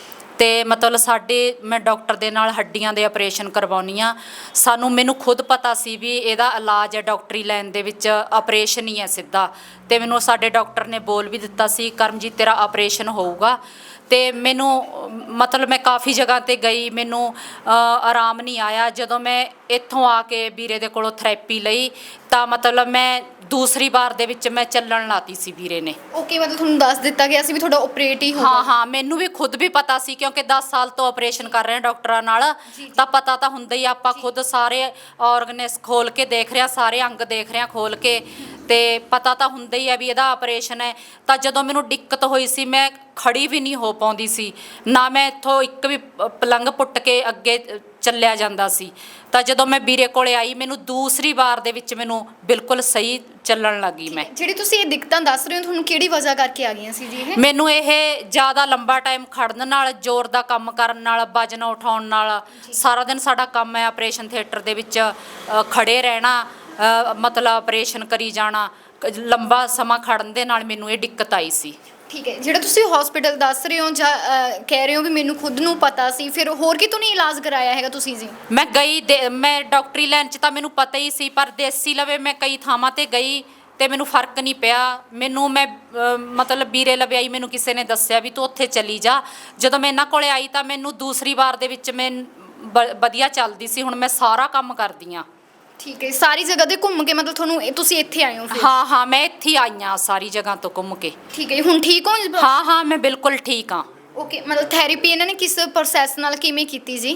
Speaker 10: ਤੇ ਮਤਲਬ ਮੈਂ ਡਾਕਟਰ ਦੇ ਨਾਲ ਹੱਡੀਆਂ ਦੇ ਆਪਰੇਸ਼ਨ ਕਰਵਾਉਣੀ ਆ। ਮੈਨੂੰ ਖੁਦ ਪਤਾ ਸੀ ਵੀ ਇਹਦਾ ਇਲਾਜ ਹੈ ਡਾਕਟਰੀ ਲਾਈਨ ਦੇ ਵਿੱਚ ਆਪਰੇਸ਼ਨ ਹੀ ਹੈ ਸਿੱਧਾ, ਤੇ ਮੈਨੂੰ ਸਾਡੇ ਡਾਕਟਰ ਨੇ ਬੋਲ ਵੀ ਦਿੱਤਾ ਸੀ ਕਰਮਜੀਤ ਤੇਰਾ ਆਪਰੇਸ਼ਨ ਹੋਊਗਾ। ਤੇ ਮੈਨੂੰ ਮਤਲਬ ਮੈਂ ਕਾਫੀ ਜਗ੍ਹਾ ਤੇ ਗਈ, ਮੈਨੂੰ ਆਰਾਮ ਨਹੀਂ ਆਇਆ। ਜਦੋਂ ਮੈਂ ਇੱਥੋਂ ਆ ਕੇ ਵੀਰੇ ਦੇ ਕੋਲੋਂ ਥੈਰੇਪੀ ਲਈ ਤਾਂ ਮਤਲਬ ਮੈਂ ਦੂਸਰੀ ਵਾਰ ਦੇ ਵਿੱਚ ਮੈਂ ਚੱਲਣ ਲਾਤੀ ਸੀ ਵੀਰੇ ਨੇ।
Speaker 2: ਓਕੇ, ਮਤਲਬ ਤੁਹਾਨੂੰ ਦੱਸ ਦਿੱਤਾ ਗਿਆ ਸੀ ਵੀ ਤੁਹਾਡਾ ਆਪਰੇਟ ਹੀ ਹੋਊਗਾ?
Speaker 10: ਹਾਂ, ਮੈਨੂੰ ਵੀ ਖੁਦ ਵੀ ਪਤਾ ਸੀ ਕਿਉਂਕਿ 10 ਸਾਲ ਤੋਂ ਆਪਰੇਸ਼ਨ ਕਰ ਰਹੇ ਹਾਂ ਡਾਕਟਰਾਂ ਨਾਲ, ਤਾਂ ਪਤਾ ਤਾਂ ਹੁੰਦਾ ਹੀ। ਆਪਾਂ ਖੁਦ ਸਾਰੇ ਆਰਗਨਸ ਖੋਲ ਕੇ ਦੇਖ ਰਹੇ ਹਾਂ, ਸਾਰੇ ਅੰਗ ਦੇਖ ਰਹੇ ਹਾਂ ਖੋਲ ਕੇ, ਤੇ ਪਤਾ ਤਾਂ ਹੁੰਦਾ ਹੀ ਹੈ ਵੀ ਇਹਦਾ ਆਪਰੇਸ਼ਨ ਹੈ। ਤਾਂ ਜਦੋਂ ਮੈਨੂੰ ਦਿੱਕਤ ਹੋਈ ਸੀ ਮੈਂ ਖੜੀ ਵੀ ਨਹੀਂ ਹੋ ਪਾਉਂਦੀ ਸੀ, ਨਾ ਮੈਂ ਇੱਥੋਂ ਇੱਕ ਵੀ ਪਲੰਘ ਪੁੱਟ ਕੇ ਅੱਗੇ ਚੱਲਿਆ ਜਾਂਦਾ ਸੀ। ਤਾਂ ਜਦੋਂ ਮੈਂ ਵੀਰੇ ਕੋਲੇ ਆਈ ਮੈਨੂੰ ਦੂਸਰੀ ਵਾਰ ਦੇ ਵਿੱਚ ਮੈਨੂੰ ਬਿਲਕੁਲ ਸਹੀ ਚੱਲਣ ਲੱਗੀ। ਮੈਂ
Speaker 2: ਜਿਹੜੀ ਤੁਸੀਂ ਇਹ ਦਿੱਕਤਾਂ ਦੱਸ ਰਹੇ ਹੋ ਤੁਹਾਨੂੰ ਕਿਹੜੀ ਵਜ੍ਹਾ ਕਰਕੇ ਆ ਗਈਆਂ ਸੀ ਜੀ ਇਹ?
Speaker 10: ਮੈਨੂੰ ਇਹ ਜ਼ਿਆਦਾ ਲੰਬਾ ਟਾਈਮ ਖੜਨ ਨਾਲ, ਜ਼ੋਰ ਦਾ ਕੰਮ ਕਰਨ ਨਾਲ, ਵਜਨ ਉਠਾਉਣ ਨਾਲ, ਸਾਰਾ ਦਿਨ ਸਾਡਾ ਕੰਮ ਹੈ ਆਪਰੇਸ਼ਨ ਥੀਏਟਰ ਦੇ ਵਿੱਚ ਖੜੇ ਰਹਿਣਾ, ਮਤਲਬ ਆਪਰੇਸ਼ਨ ਕਰੀ ਜਾਣਾ, ਲੰਬਾ ਸਮਾਂ ਖੜਨ ਦੇ ਨਾਲ ਮੈਨੂੰ ਇਹ ਦਿੱਕਤ ਆਈ ਸੀ।
Speaker 2: ਠੀਕ ਹੈ, ਜਿਹੜਾ ਤੁਸੀਂ ਹਸਪੀਟਲ ਦੱਸ ਰਹੇ ਹੋ ਜਾਂ ਕਹਿ ਰਹੇ ਹੋ ਵੀ ਮੈਨੂੰ ਖੁਦ ਨੂੰ ਪਤਾ ਸੀ, ਫਿਰ ਹੋਰ ਕਿਤੋਂ ਨਹੀਂ ਇਲਾਜ ਕਰਾਇਆ ਹੈਗਾ ਤੁਸੀਂ ਜੀ?
Speaker 10: ਮੈਂ ਮੈਂ ਡਾਕਟਰੀ ਲਾਈਨ 'ਚ ਤਾਂ ਮੈਨੂੰ ਪਤਾ ਹੀ ਸੀ, ਪਰ ਦੇਸੀ ਲਵੇ ਮੈਂ ਕਈ ਥਾਵਾਂ ਤੇ ਗਈ ਤੇ ਮੈਨੂੰ ਫਰਕ ਨਹੀਂ ਪਿਆ। ਮੈਂ ਮਤਲਬ ਵੀਰੇ ਲਵੇ ਆਈ, ਮੈਨੂੰ ਕਿਸੇ ਨੇ ਦੱਸਿਆ ਵੀ ਤੂੰ ਉੱਥੇ ਚਲੀ ਜਾ। ਜਦੋਂ ਮੈਂ ਇਹਨਾਂ ਕੋਲੇ ਆਈ ਤਾਂ ਮੈਨੂੰ ਦੂਸਰੀ ਵਾਰ ਦੇ ਵਿੱਚ ਮੈਂ ਵਧੀਆ ਚੱਲਦੀ ਸੀ, ਹੁਣ ਮੈਂ ਸਾਰਾ ਕੰਮ ਕਰਦੀ ਹਾਂ।
Speaker 2: ਠੀਕ ਹੈ, ਸਾਰੀ ਜਗ੍ਹਾ ਤੇ ਘੁੰਮ ਕੇ ਮਤਲਬ ਤੁਸੀਂ ਇੱਥੇ ਆਏ ਹੋ ਫਿਰ?
Speaker 10: ਹਾਂ, ਮੈਂ ਇੱਥੇ ਆਈ ਹਾਂ ਸਾਰੀ ਜਗ੍ਹਾ ਤੋਂ ਘੁੰਮ ਕੇ।
Speaker 2: ਠੀਕ ਹੈ, ਹੁਣ ਠੀਕ ਹੋ?
Speaker 10: ਹਾਂ, ਮੈਂ ਬਿਲਕੁਲ ਠੀਕ ਹਾਂ।
Speaker 2: ਓਕੇ, ਮਤਲਬ ਥੈਰੇਪੀ ਇਹਨਾਂ ਨੇ ਕਿਸ ਪ੍ਰੋਸੈਸ ਨਾਲ ਕਿਵੇਂ ਕੀਤੀ ਜੀ?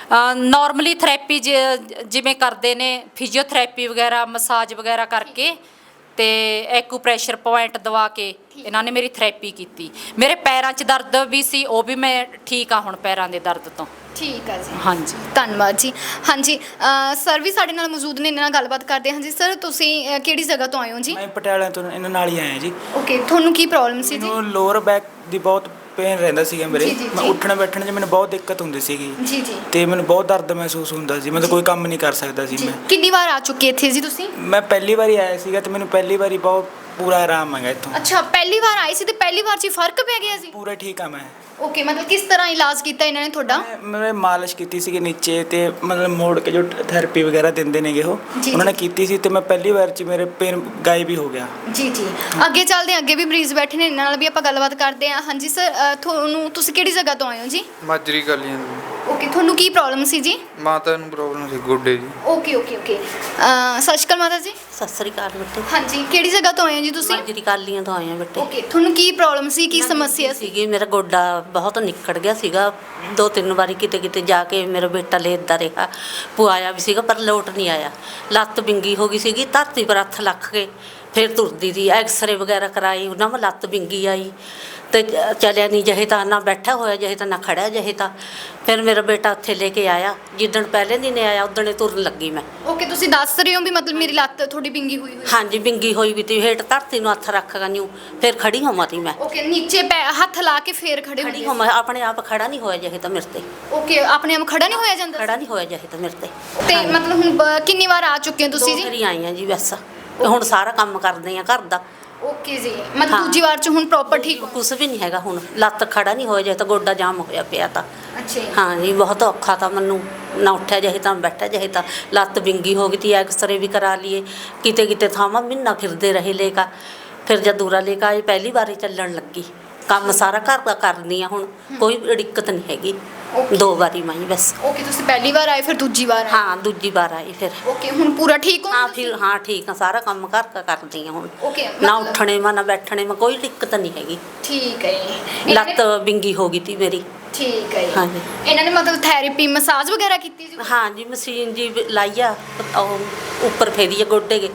Speaker 10: ਨਾਰਮਲੀ ਥੈਰੇਪੀ ਜਿਵੇਂ ਕਰਦੇ ਨੇ, ਫਿਜ਼ੀਓਥੈਰੇਪੀ ਵਗੈਰਾ, ਮਸਾਜ ਵਗੈਰਾ ਕਰਕੇ ਤੇ ਐਕੂਪ੍ਰੈਸ਼ਰ ਪੁਆਇੰਟ ਦਵਾ ਕੇ ਇਹਨਾਂ ਨੇ ਮੇਰੀ ਥੈਰੇਪੀ ਕੀਤੀ। ਮੇਰੇ ਪੈਰਾਂ 'ਚ ਦਰਦ ਵੀ ਸੀ, ਉਹ ਵੀ ਮੈਂ ਠੀਕ ਆ ਹੁਣ ਪੈਰਾਂ ਦੇ ਦਰਦ ਤੋਂ।
Speaker 2: ਠੀਕ ਆ ਜੀ,
Speaker 10: ਹਾਂਜੀ,
Speaker 2: ਧੰਨਵਾਦ ਜੀ। ਹਾਂਜੀ ਸਰ ਵੀ ਸਾਡੇ ਨਾਲ ਮੌਜੂਦ ਨੇ, ਇਹਨਾਂ ਨਾਲ ਗੱਲਬਾਤ ਕਰਦੇ ਹਾਂ। ਹਾਂਜੀ ਸਰ, ਤੁਸੀਂ ਕਿਹੜੀ ਜਗ੍ਹਾ ਤੋਂ ਆਏ ਹੋ ਜੀ?
Speaker 9: ਮੈਂ ਪਟਿਆਲਾ ਤੋਂ ਇਹਨਾਂ ਨਾਲ ਹੀ ਆਇਆ ਜੀ।
Speaker 2: ਓਕੇ, ਤੁਹਾਨੂੰ ਕੀ ਪ੍ਰੋਬਲਮ ਸੀ ਜੀ?
Speaker 9: ਮੈਨੂੰ ਲੋਅਰ ਬੈਕ ਦੀ ਬਹੁਤ ਪੇਨ ਰਹਿੰਦਾ ਸੀਗਾ ਮੇਰੇ।
Speaker 2: ਜੀ, ਜੀ,
Speaker 9: ਮੈਂ
Speaker 2: ਜੀ।
Speaker 9: ਉੱਠਣ ਬੈਠਣ 'ਚ ਮੈਨੂੰ ਬਹੁਤ ਦਿੱਕਤ ਹੁੰਦੀ ਸੀਗੀ
Speaker 2: ਜੀ ਜੀ,
Speaker 9: ਤੇ ਮੈਨੂੰ ਬਹੁਤ ਦਰਦ ਮਹਿਸੂਸ ਹੁੰਦਾ ਸੀ, ਮਤਲਬ ਕੋਈ ਕੰਮ ਨਹੀਂ ਕਰ ਸਕਦਾ ਸੀ
Speaker 2: ਜੀ।
Speaker 9: ਮੈਂ।
Speaker 2: ਕਿੰਨੀ ਵਾਰ ਆ ਚੁੱਕੇ ਇੱਥੇ ਜੀ ਤੁਸੀਂ?
Speaker 9: ਮੈਂ ਪਹਿਲੀ ਵਾਰੀ ਆਇਆ ਸੀਗਾ ਤੇ ਮੈਨੂੰ ਪਹਿਲੀ ਵਾਰੀ ਬਹੁਤ ਪੂਰਾ ਆਰਾਮ ਆ ਗਿਆ ਇੱਥੋਂ।
Speaker 2: ਅੱਛਾ, ਪਹਿਲੀ ਵਾਰ ਆਏ ਸੀ ਤੇ ਪਹਿਲੀ ਵਾਰ 'ਚ ਹੀ ਫਰਕ ਪੈ ਗਿਆ ਸੀ?
Speaker 9: ਪੂਰਾ ਠੀਕ ਆ ਮੈਂ।
Speaker 2: ਓਕੇ, ਮਤਲਬ ਕਿਸ ਤਰ੍ਹਾਂ ਇਲਾਜ ਕੀਤਾ ਇਹਨਾਂ ਨੇ ਤੁਹਾਡਾ?
Speaker 9: ਮੈਂ ਮਾਲਿਸ਼ ਕੀਤੀ ਸੀਗੀ ਨੀਚੇ ਤੇ ਮਤਲਬ ਮੋੜ ਕੇ ਜੋ ਥੈਰੇਪੀ ਵਗੈਰਾ ਦਿੰਦੇ ਨੇਗੇ ਉਹ
Speaker 2: ਜੀ,
Speaker 9: ਉਹਨਾਂ ਨੇ
Speaker 2: ਜੀ।
Speaker 9: ਕੀਤੀ ਸੀ ਤੇ ਮੈਂ ਪਹਿਲੀ ਵਾਰ 'ਚ ਮੇਰੇ ਪੇਨ ਗਾਇਬ ਹੀ ਹੋ ਗਿਆ।
Speaker 2: ਜੀ ਜੀ, ਅੱਗੇ ਚੱਲਦੇ ਹਾਂ, ਅੱਗੇ ਵੀ ਮਰੀਜ਼ ਬੈਠੇ ਨੇ, ਇਹਨਾਂ ਨਾਲ ਵੀ ਆਪਾਂ ਗੱਲਬਾਤ ਕਰਦੇ ਹਾਂ। ਹਾਂਜੀ ਸਰ, ਤੁਸੀਂ ਕਿਹੜੀ ਜਗ੍ਹਾ ਤੋਂ ਆਏ ਹੋ ਜੀ?
Speaker 11: ਮਾਜਰੀ ਗਲੀਆਂ ਤੋਂ।
Speaker 2: ਓਕੇ, ਤੁਹਾਨੂੰ ਕੀ ਪ੍ਰੋਬਲਮ ਸੀ ਜੀ?
Speaker 11: ਮਾਤਾ ਨੂੰ ਪ੍ਰੋਬਲਮ ਸੀ ਗੋਡੇ ਦੀ।
Speaker 2: ਓਕੇ ਓਕੇ ਓਕੇ, ਸਤਿ ਸ਼੍ਰੀ ਅਕਾਲ ਮਾਤਾ ਜੀ।
Speaker 3: ਸਤਿ ਸ੍ਰੀ ਅਕਾਲ ਬੇਟੇ।
Speaker 2: ਹਾਂਜੀ, ਕਿਹੜੀ ਜਗ੍ਹਾ ਤੋਂ ਆਏ ਹੋ ਜੀ ਤੁਸੀਂ?
Speaker 3: ਮਾਜਰੀ ਕਾਲੀਆਂ ਤੋਂ ਆਏ ਆ ਬੇਟੇ।
Speaker 2: ਓਕੇ, ਤੁਹਾਨੂੰ ਕੀ ਪ੍ਰੋਬਲਮ ਸੀ, ਕੀ ਸਮੱਸਿਆ ਸੀ?
Speaker 3: ਸੀਗੀ, ਮੇਰਾ ਗੋਡਾ ਬਹੁਤ ਨਿੱਕੜ ਗਿਆ ਸੀਗਾ। 2-3 ਵਾਰੀ ਕਿਤੇ ਜਾ ਕੇ ਮੇਰਾ ਬੇਟਾ ਲੇਟਦਾ ਰਿਹਾ, ਪੁਆਇਆ ਵੀ ਸੀਗਾ ਪਰ ਲੋਟ ਨਹੀਂ ਆਇਆ। ਲੱਤ ਵਿੰਗੀ ਹੋ ਗਈ ਸੀਗੀ, ਧਰਤੀ ਪਰ ਹੱਥ ਲੱਖ ਕੇ ਫਿਰ ਤੁਰਦੀ ਸੀ। ਐਕਸਰੇ ਵਗੈਰਾ ਕਰਾਈ, ਉਹਨਾਂ ਮੈਂ ਲੱਤ ਵਿੰਗੀ ਆਈ ਤੇ ਚੱਲਿਆ ਨਹੀਂ ਜਿਹੇ ਤਾਂ, ਨਾ ਬੈਠਾ ਹੋਇਆ ਜਿਹੇ ਤਾਂ, ਨਾ ਖੜਿਆ ਜਿਹੇ ਤਾਂ। ਫਿਰ ਮੇਰਾ ਬੇਟਾ ਉੱਥੇ ਲੈ ਕੇ ਆਇਆ, ਜਿੱਦਣ ਪਹਿਲੇ ਦਿਨ ਆਇਆ ਉਦਣ ਤੁਰਨ ਲੱਗੀ ਮੈਂ।
Speaker 2: ਓਕੇ, ਤੁਸੀਂ ਦੱਸ ਰਹੇ ਹੋ ਵੀ ਮਤਲਬ ਮੇਰੀ ਲੱਤ ਥੋੜੀ ਵਿੰਗੀ ਹੋਈ ਹੋਈ?
Speaker 3: ਹਾਂਜੀ, ਵਿੰਗੀ ਹੋਈ ਵੀ ਤੀ, ਹੇਠ ਧਰਤੀ ਨੂੰ ਹੱਥ ਰੱਖ ਗਈ, ਫਿਰ ਖੜੀ ਹੋਵਾਂ ਤੀ ਮੈਂ।
Speaker 2: ਓਕੇ, ਨੀਚੇ ਹੱਥ ਲਾ ਕੇ ਫੇਰ ਖੜੇ
Speaker 3: ਖੜੀ ਹੋਵਾਂ, ਆਪਣੇ ਆਪ ਖੜਾ ਨਹੀਂ ਹੋਇਆ ਜਿਹੇ ਤਾਂ ਮੇਰੇ ਤੇ।
Speaker 2: ਓਕੇ, ਆਪਣੇ ਆਪ ਖੜਾ ਨਹੀਂ ਹੋਇਆ ਜਾਂਦਾ?
Speaker 3: ਖੜਾ ਨਹੀਂ ਹੋਇਆ ਜਿਹੇ ਤਾਂ ਮੇਰੇ ਤੇ।
Speaker 2: ਤੇ ਮਤਲਬ ਹੁਣ ਕਿੰਨੀ ਵਾਰ ਆ ਚੁੱਕੇ ਹੋ ਤੁਸੀਂ ਜੀ?
Speaker 3: 2 ਵਾਰੀ ਆਈ ਆ ਜੀ ਬਸ, ਹੁਣ ਸਾਰਾ ਕੰਮ ਕਰਦੇ ਆ ਘਰ ਦਾ।
Speaker 2: ਓਕੇ ਜੀ, ਮਤਲਬ ਦੂਜੀ ਵਾਰ 'ਚ ਹੁਣ ਪ੍ਰੋਪਰ ਠੀਕ ਹੋ?
Speaker 3: ਕੁਛ ਵੀ ਨਹੀਂ ਹੈਗਾ ਹੁਣ, ਲੱਤ ਖੜਾ ਨਹੀਂ ਹੋਇਆ ਜੇ ਤਾਂ, ਗੋਡਾ ਜਾਮ ਹੋਇਆ ਪਿਆ ਤਾਂ।
Speaker 2: ਅੱਛਾ ਜੀ।
Speaker 3: ਹਾਂ ਜੀ, ਬਹੁਤ ਔਖਾ ਤਾਂ ਮੈਨੂੰ, ਨਾ ਉੱਠਿਆ ਜਿਹੇ ਤਾਂ ਬੈਠਾ ਜਿਹੇ ਤਾਂ। ਲੱਤ ਵਿੰਗੀ ਹੋ ਗਈ ਤੀ, ਐਕਸਰੇ ਵੀ ਕਰਾ ਲਈਏ, ਕਿਤੇ ਥਾਵਾਂ ਮਹੀਨਾ ਫਿਰਦੇ ਰਹੇ ਲੇਕਾ। ਫਿਰ ਜਦ ਦੂਰਾ ਲੈ ਕੇ ਆਏ ਪਹਿਲੀ ਵਾਰੀ ਚੱਲਣ ਲੱਗੀ, ਕੰਮ ਸਾਰਾ ਘਰ ਦਾ ਕਰਦੀ ਆ ਹੁਣ, ਕੋਈ ਦਿੱਕਤ ਨਹੀਂ ਹੈਗੀ। 2 ਵਾਰੀ ਮੈਂ ਬਸ।
Speaker 2: ਓਕੇ, ਤੁਸੀਂ ਪਹਿਲੀ ਵਾਰ ਆਏ ਫਿਰ ਦੂਜੀ ਵਾਰ ਆਏ?
Speaker 3: ਹਾਂ, ਦੂਜੀ ਵਾਰ ਆਈ ਫਿਰ।
Speaker 2: ਓਕੇ, ਹੁਣ ਪੂਰਾ ਠੀਕ ਹੋ?
Speaker 3: ਹਾਂ ਫਿਰ, ਹਾਂ ਠੀਕ ਆ, ਸਾਰਾ ਕੰਮ ਘਰ ਦਾ ਕਰਦੀ ਆ ਹੁਣ।
Speaker 2: ਓਕੇ,
Speaker 3: ਨਾ ਉੱਠਣੇ ਮਾ ਨਾ ਬੈਠਣੇ ਮਾ ਕੋਈ ਦਿੱਕਤ ਨਹੀਂ ਹੈਗੀ।
Speaker 2: ਠੀਕ ਹੈ ਜੀ।
Speaker 3: ਲੱਤ ਵਿੰਗੀ ਹੋ ਗਈ ਤੀ ਮੇਰੀ।
Speaker 2: ਠੀਕ ਹੈ ਜੀ।
Speaker 3: ਹਾਂਜੀ।
Speaker 2: ਇਹਨਾਂ ਨੇ ਮਤਲਬ ਥੈਰੇਪੀ ਮਸਾਜ ਵਗੈਰਾ ਕੀਤੀ ਜੀ?
Speaker 3: ਹਾਂ ਜੀ, ਮਸ਼ੀਨ ਜੀ ਲਾਈ ਆ, ਉਹ ਉੱਪਰ ਫੇਰੀ ਆ ਗੋਡੇ ਕੇ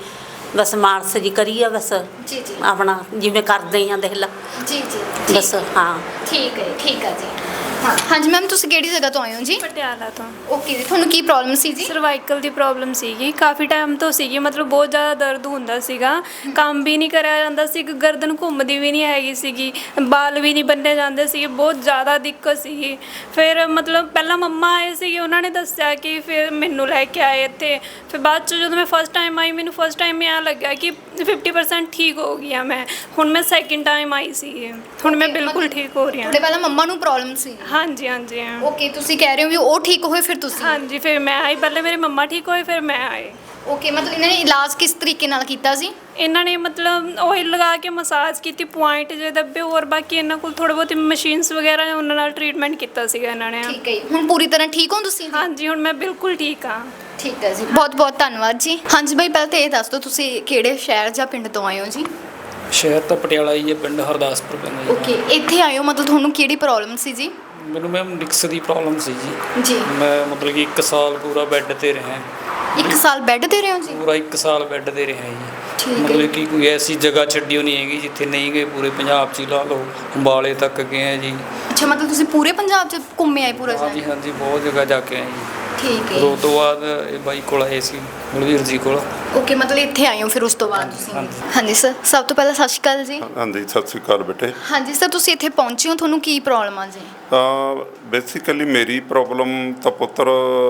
Speaker 3: ਬਸ ਮਾਲਸ਼ ਜੀ ਕਰੀ ਆ ਬਸ
Speaker 2: ਜੀ ਜੀ
Speaker 3: ਆਪਣਾ ਜਿਵੇਂ ਕਰਦੇ ਆ ਦੇਖ ਲਾ
Speaker 2: ਜੀ ਜੀ
Speaker 3: ਬਸ ਹਾਂ
Speaker 2: ਠੀਕ ਹੈ ਜੀ ਹਾਂ ਹਾਂਜੀ ਮੈਮ ਤੁਸੀਂ ਕਿਹੜੀ ਜਗ੍ਹਾ ਤੋਂ ਆਏ ਹੋ ਜੀ
Speaker 7: ਪਟਿਆਲਾ ਤੋਂ।
Speaker 2: ਓਕੇ ਜੀ ਤੁਹਾਨੂੰ ਕੀ ਪ੍ਰੋਬਲਮ ਸੀ ਜੀ
Speaker 7: ਸਰਵਾਈਕਲ ਦੀ ਪ੍ਰੋਬਲਮ ਸੀਗੀ, ਕਾਫੀ ਟਾਈਮ ਤੋਂ ਸੀਗੀ, ਮਤਲਬ ਬਹੁਤ ਜ਼ਿਆਦਾ ਦਰਦ ਹੁੰਦਾ ਸੀਗਾ, ਕੰਮ ਵੀ ਨਹੀਂ ਕਰਿਆ ਜਾਂਦਾ ਸੀ, ਗਰਦਨ ਘੁੰਮਦੀ ਵੀ ਨਹੀਂ ਹੈਗੀ ਸੀਗੀ, ਬਾਲ ਵੀ ਨਹੀਂ ਬੰਨੇ ਜਾਂਦੇ ਸੀਗੇ, ਬਹੁਤ ਜ਼ਿਆਦਾ ਦਿੱਕਤ ਸੀਗੀ। ਫਿਰ ਮਤਲਬ ਪਹਿਲਾਂ ਮੰਮਾ ਆਏ ਸੀਗੇ, ਉਹਨਾਂ ਨੇ ਦੱਸਿਆ ਕਿ ਫਿਰ ਮੈਨੂੰ ਲੈ ਕੇ ਆਏ ਇੱਥੇ। ਫਿਰ ਬਾਅਦ 'ਚ ਜਦੋਂ ਮੈਂ ਫਸਟ ਟਾਈਮ ਆਈ, ਮੈਨੂੰ ਫਸਟ ਟਾਈਮ ਇਹ ਲੱਗਿਆ ਕਿ 50% ਠੀਕ ਹੋ ਗਈ ਆ ਮੈਂ। ਹੁਣ ਮੈਂ ਸੈਕਿੰਡ ਟਾਈਮ ਆਈ ਸੀਗੀ, ਹੁਣ ਮੈਂ ਬਿਲਕੁਲ ਠੀਕ ਹੋ ਰਹੀ ਹਾਂ।
Speaker 2: ਤੁਹਾਡੇ ਪਹਿਲਾਂ ਮੰਮਾ ਨੂੰ ਪ੍ਰੋਬਲਮ ਸੀ?
Speaker 7: ਹਾਂਜੀ
Speaker 2: ਓਕੇ ਤੁਸੀਂ ਕਹਿ ਰਹੇ ਹੋ ਵੀ ਉਹ ਠੀਕ ਹੋਏ ਫਿਰ ਤੁਸੀਂ?
Speaker 7: ਹਾਂਜੀ ਫਿਰ ਮੈਂ ਆਈ, ਪਹਿਲੇ ਮੇਰੇ ਮੰਮਾ ਠੀਕ ਹੋਏ ਫਿਰ ਮੈਂ ਆਏ।
Speaker 2: ਓਕੇ ਮਤਲਬ ਇਹਨਾਂ ਨੇ ਇਲਾਜ ਕਿਸ ਤਰੀਕੇ ਨਾਲ ਕੀਤਾ ਸੀ?
Speaker 7: ਇਹਨਾਂ ਨੇ ਮਤਲਬ ਆਇਲ ਲਗਾ ਕੇ ਮਸਾਜ ਕੀਤੀ, ਪੁਆਇੰਟ ਜੇ ਦੱਬੇ, ਹੋਰ ਬਾਕੀ ਇਹਨਾਂ ਕੋਲ ਥੋੜ੍ਹੇ ਬਹੁਤ ਮਸ਼ੀਨਸ ਵਗੈਰਾ ਨੇ, ਉਹਨਾਂ ਨਾਲ ਟ੍ਰੀਟਮੈਂਟ ਕੀਤਾ ਸੀਗਾ ਇਹਨਾਂ ਨੇ।
Speaker 2: ਠੀਕ ਹੈ ਜੀ, ਹੁਣ ਪੂਰੀ ਤਰ੍ਹਾਂ ਠੀਕ ਹੋ ਤੁਸੀਂ?
Speaker 7: ਹਾਂਜੀ ਹੁਣ ਮੈਂ ਬਿਲਕੁਲ ਠੀਕ ਹਾਂ।
Speaker 2: ਠੀਕ ਹੈ ਜੀ, ਬਹੁਤ ਬਹੁਤ ਧੰਨਵਾਦ ਜੀ। ਹਾਂਜੀ ਬਾਈ ਪਹਿਲਾਂ ਤਾਂ ਇਹ ਦੱਸ ਦਿਓ ਤੁਸੀਂ ਕਿਹੜੇ ਸ਼ਹਿਰ ਜਾਂ ਪਿੰਡ ਤੋਂ ਆਏ ਹੋ ਜੀ?
Speaker 4: ਸ਼ਹਿਰ ਤਾਂ ਪਟਿਆਲਾ ਹੀ ਹੈ, ਪਿੰਡ ਹਰਦਾਸਪੁਰ ਪੈਂਦਾ ਜੀ।
Speaker 2: ਓਕੇ ਇੱਥੇ ਆਏ ਹੋ ਮਤਲਬ ਤੁਹਾਨੂੰ ਕਿਹੜੀ ਪ੍ਰੋਬਲਮ ਸੀ ਜੀ?
Speaker 4: ਮੈਨੂੰ ਮੈਮ ਨਿਕਸ ਦੀ ਪ੍ਰੋਬਲਮ ਸੀ ਜੀ।
Speaker 2: ਜੀ
Speaker 4: ਮੈਂ ਮਤਲਬ ਕਿ 1 ਸਾਲ ਪੂਰਾ ਬੈੱਡ ਤੇ ਰਿਹਾ।
Speaker 2: 1 ਸਾਲ ਬੈੱਡ ਤੇ ਰਹੇ ਹੋ ਜੀ?
Speaker 4: ਪੂਰਾ 1 ਸਾਲ ਬੈੱਡ ਤੇ ਰਿਹਾ ਜੀ।
Speaker 2: ਠੀਕ ਹੈ।
Speaker 4: ਮਤਲਬ ਕਿ ਕੋਈ ਐਸੀ ਜਗ੍ਹਾ ਛੱਡੀ ਨਹੀਂ ਹੈਗੀ ਜਿੱਥੇ ਨਹੀਂ ਗਏ, ਪੂਰੇ ਪੰਜਾਬ 'ਚ ਹੀ ਲਾ ਲਓ, ਅੰਬਾਲੇ ਤੱਕ ਗਏ ਆ ਜੀ।
Speaker 2: ਅੱਛਾ ਮਤਲਬ ਤੁਸੀਂ ਪੂਰੇ ਪੰਜਾਬ 'ਚ ਘੁੰਮੇ ਆਏ ਪੂਰਾ
Speaker 4: ਹਾਂਜੀ
Speaker 2: ਸ਼ਹਿਰ?
Speaker 4: ਹਾਂਜੀ ਬਹੁਤ ਜਗ੍ਹਾ ਜਾ ਕੇ ਆਏ ਜੀ।
Speaker 2: ਠੀਕ ਹੈ।
Speaker 4: ਫਿਰ ਉਹ ਤੋਂ ਬਾਅਦ ਇਹ ਬਾਈ ਕੋਲ ਆਏ ਸੀ, ਬਲਵੀਰ ਜੀ ਕੋਲ।
Speaker 2: ਓਕੇ ਮਤਲਬ ਇੱਥੇ ਆਏ ਹੋ ਫਿਰ ਉਸ ਤੋਂ ਬਾਅਦ ਤੁਸੀਂ?
Speaker 4: ਹਾਂਜੀ।
Speaker 2: ਹਾਂਜੀ ਸਰ ਸਭ ਤੋਂ ਪਹਿਲਾਂ ਸਤਿ ਸ਼੍ਰੀ ਅਕਾਲ ਜੀ।
Speaker 5: ਹਾਂਜੀ ਸਤਿ ਸ਼੍ਰੀ ਅਕਾਲ ਬੇਟੇ।
Speaker 2: ਹਾਂਜੀ ਸਰ ਤੁਸੀਂ ਇੱਥੇ ਪਹੁੰਚੇ ਹੋ, ਤੁਹਾਨੂੰ ਕੀ ਪ੍ਰੋਬਲਮ ਆ ਜੀ?
Speaker 5: ਬੇਸਿਕਲੀ ਮੇਰੀ ਪ੍ਰੋਬਲਮ ਤਾਂ ਪੁੱਤਰ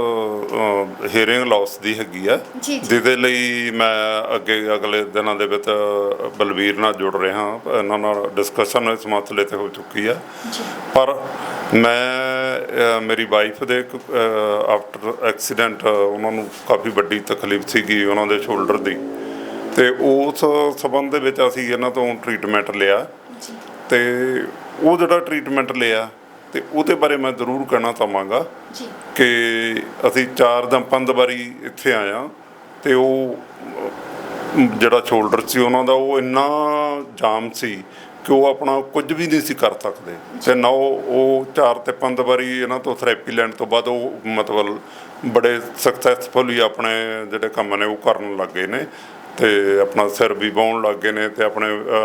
Speaker 5: ਹੀਅਰਿੰਗ ਲਾਸ ਦੀ ਹੈਗੀ ਆ,
Speaker 2: ਜੀ, ਜੀ।
Speaker 5: ਜਿਹਦੇ ਲਈ ਮੈਂ ਅਗਲੇ ਦਿਨਾਂ ਦੇ ਵਿੱਚ ਬਲਵੀਰ ਨਾਲ ਜੁੜ ਰਿਹਾ। ਇਹਨਾਂ ਨਾਲ ਡਿਸਕਸ਼ਨ ਇਸ ਮਸਲੇ ਤੇ ਹੋ ਚੁੱਕੀ ਆ। ਪਰ ਮੈਂ ਮੇਰੀ ਵਾਈਫ ਦੇ ਆਫਟਰ ਐਕਸੀਡੈਂਟ ਉਹਨਾਂ ਨੂੰ ਕਾਫੀ ਵੱਡੀ ਤਕਲੀਫ ਸੀਗੀ ਉਹਨਾਂ ਦੇ ਸ਼ੋਲਡਰ ਦੀ, ਤੇ ਉਸ ਸੰਬੰਧ ਦੇ ਵਿੱਚ ਅਸੀਂ ਇਹਨਾਂ ਤੋਂ ਟਰੀਟਮੈਂਟ ਲਿਆ। ਤੇ ਉਹ ਜਿਹੜਾ ਟਰੀਟਮੈਂਟ ਲਿਆ ਤੇ ਉਹਦੇ ਬਾਰੇ ਮੈਂ ਜ਼ਰੂਰ ਕਹਿਣਾ ਚਾਹਾਂਗਾ ਕਿ ਅਸੀਂ 4 ਜਾਂ 5 ਵਾਰੀ ਇੱਥੇ ਆਇਆ, ਤੇ ਉਹ ਜਿਹੜਾ ਸ਼ੋਲਡਰ ਸੀ ਉਹਨਾਂ ਦਾ ਉਹ ਇੰਨਾ ਜਾਮ ਸੀ ਕਿ ਉਹ ਆਪਣਾ ਕੁਝ ਵੀ ਨਹੀਂ ਸੀ ਕਰ ਸਕਦੇ। ਤੇ ਨਾ ਉਹ 4 ਤੇ 5 ਵਾਰੀ ਇਹਨਾਂ ਤੋਂ ਥੈਰੇਪੀ ਲੈਣ ਤੋਂ ਬਾਅਦ ਉਹ ਮਤਲਬ ਬੜੇ ਸਕਸੈਸਫੁਲੀ ਆਪਣੇ ਜਿਹੜੇ ਕੰਮ ਨੇ ਉਹ ਕਰਨ ਲੱਗੇ ਨੇ, ਤੇ ਆਪਣਾ ਸਿਰ ਵੀ ਵਾਹੁਣ ਲੱਗ ਗਏ ਨੇ, ਤੇ ਆਪਣੇ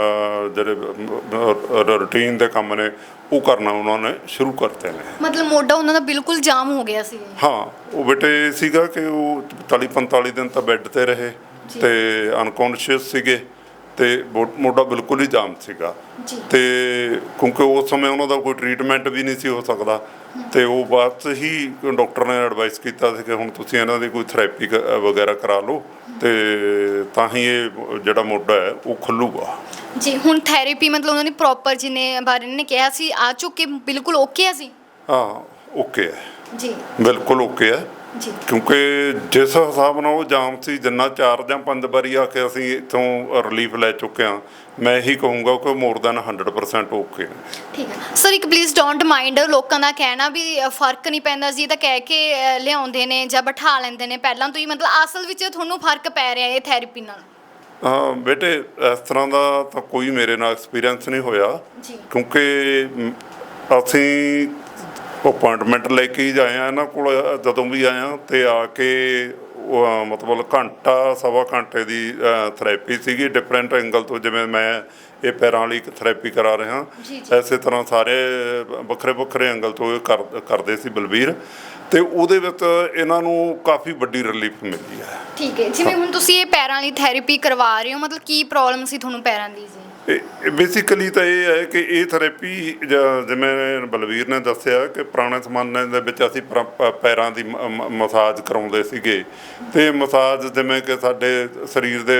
Speaker 5: ਜਿਹੜੇ ਰੂਟੀਨ ਦੇ ਕੰਮ ਨੇ ਉਹ ਕਰਨਾ ਉਹਨਾਂ ਨੇ ਸ਼ੁਰੂ ਕਰਤੇ ਨੇ।
Speaker 2: ਮਤਲਬ ਮੋਢਾ ਉਹਨਾਂ ਦਾ ਬਿਲਕੁਲ ਜਾਮ ਹੋ ਗਿਆ ਸੀ?
Speaker 5: ਹਾਂ ਉਹ ਬੇਟੇ ਸੀਗਾ ਕਿ ਉਹ 45 ਦਿਨ ਤਾਂ ਬੈੱਡ ਤੇ ਰਹੇ ਤੇ ਅਨਕੌਂਸ਼ੀਅਸ ਸੀਗੇ, ਤੇ ਮੋਢਾ ਬਿਲਕੁਲ ਹੀ ਜਾਮ ਸੀਗਾ। ਤੇ ਕਿਉਂਕਿ ਉਸ ਸਮੇਂ ਉਹਨਾਂ ਦਾ ਕੋਈ ਟਰੀਟਮੈਂਟ ਵੀ ਨਹੀਂ ਸੀ ਹੋ ਸਕਦਾ, ਤੇ ਉਹ ਬਾਅਦ ਹੀ ਡਾਕਟਰ ਨੇ ਐਡਵਾਈਸ ਕੀਤਾ ਸੀ ਕਿ ਹੁਣ ਤੁਸੀਂ ਇਹਨਾਂ ਦੀ ਕੋਈ ਥੈਰੇਪੀ ਵਗੈਰਾ ਕਰਾ ਲਓ, ਤੇ ਤਾਂ ਹੀ ਇਹ ਜਿਹੜਾ ਮੋਢਾ ਹੈ ਉਹ ਖੁੱਲੂਗਾ
Speaker 2: ਜੀ। ਹੁਣ ਥੈਰੇਪੀ ਮਤਲਬ ਉਹਨਾਂ ਨੇ ਪ੍ਰੋਪਰ ਜਿਹਨੇ ਬਾਰੇ ਨੇ ਕਿਹਾ ਸੀ ਆ ਚੁੱਕੇ ਬਿਲਕੁਲ ਓਕੇ ਆ ਸੀ?
Speaker 5: ਹਾਂ ਓਕੇ ਹੈ
Speaker 2: ਜੀ,
Speaker 5: ਬਿਲਕੁਲ ਓਕੇ ਹੈ
Speaker 2: ਜੀ।
Speaker 5: ਕਿਉਂਕਿ ਜਿਸ ਹਿਸਾਬ ਨਾਲ ਉਹ ਜਾਮ ਸੀ, ਜਿੰਨਾ 4 ਜਾਂ 5 ਵਾਰੀ ਆ ਕੇ ਅਸੀਂ ਇੱਥੋਂ ਰਿਲੀਫ ਲੈ ਚੁੱਕੇ ਹਾਂ, ਮੈਂ ਇਹੀ ਕਹੂੰਗਾ ਕਿ ਮੋਰ ਦੈਨ 100% ਓਕੇ ਨੇ।
Speaker 2: ਠੀਕ ਹੈ ਸਰ, ਇੱਕ ਪਲੀਜ਼ ਡੋਂਟ ਮਾਈਂਡ ਲੋਕਾਂ ਦਾ ਕਹਿਣਾ ਵੀ ਫਰਕ ਨਹੀਂ ਪੈਂਦਾ ਜੀ, ਤਾਂ ਕਹਿ ਕੇ ਲਿਆਉਂਦੇ ਨੇ ਜਾਂ ਬਿਠਾ ਲੈਂਦੇ ਨੇ ਪਹਿਲਾਂ ਤੋਂ ਹੀ, ਮਤਲਬ ਅਸਲ ਵਿੱਚ ਤੁਹਾਨੂੰ ਫਰਕ ਪੈ ਰਿਹਾ ਇਹ ਥੈਰੇਪੀ ਨਾਲ?
Speaker 5: ਹਾਂ ਬੇਟੇ ਇਸ ਤਰ੍ਹਾਂ ਦਾ ਤਾਂ ਕੋਈ ਮੇਰੇ ਨਾਲ ਐਕਸਪੀਰੀਅੰਸ ਨਹੀਂ ਹੋਇਆ, ਕਿਉਂਕਿ ਅਸੀਂ ਅਪੁਆਇੰਟਮੈਂਟ ਲੈ ਕੇ ਹੀ ਜਾਏ ਆ ਇਹਨਾਂ ਕੋਲ। ਜਦੋਂ ਵੀ ਆਇਆ ਤੇ ਆ ਕੇ ਮਤਲਬ ਘੰਟਾ ਸਵਾ ਘੰਟੇ ਦੀ ਥੈਰੇਪੀ ਸੀਗੀ ਡਿਫਰੈਂਟ ਐਂਗਲ ਤੋਂ। ਜਿਵੇਂ ਮੈਂ ਇਹ ਪੈਰਾਂ ਵਾਲੀ ਥੈਰੇਪੀ ਕਰਾ ਰਿਹਾ, ਇਸੇ ਤਰ੍ਹਾਂ ਸਾਰੇ ਵੱਖਰੇ ਵੱਖਰੇ ਐਂਗਲ ਤੋਂ ਇਹ ਕਰਦੇ ਸੀ ਬਲਵੀਰ, ਤੇ ਉਹਦੇ ਵਿੱਚ ਇਹਨਾਂ ਨੂੰ ਕਾਫੀ ਵੱਡੀ ਰਿਲੀਫ ਮਿਲੀ ਹੈ।
Speaker 2: ਠੀਕ ਹੈ, ਜਿਵੇਂ ਹੁਣ ਤੁਸੀਂ ਇਹ ਪੈਰਾਂ ਵਾਲੀ ਥੈਰੇਪੀ ਕਰਵਾ ਰਹੇ ਹੋ, ਮਤਲਬ ਕੀ ਪ੍ਰੋਬਲਮ ਸੀ ਤੁਹਾਨੂੰ ਪੈਰਾਂ ਦੀ ਜੀ?
Speaker 5: ਬੇਸਿਕਲੀ ਤਾਂ ਇਹ ਹੈ ਕਿ ਇਹ ਥੈਰੇਪੀ ਜਿਵੇਂ ਬਲਵੀਰ ਨੇ ਦੱਸਿਆ ਕਿ ਪੁਰਾਣੇ ਜ਼ਮਾਨੇ ਦੇ ਵਿੱਚ ਅਸੀਂ ਪੈਰਾਂ ਦੀ ਮਸਾਜ ਕਰਾਉਂਦੇ ਸੀਗੇ, ਤੇ ਮਸਾਜ ਜਿਵੇਂ ਕਿ ਸਾਡੇ ਸਰੀਰ ਦੇ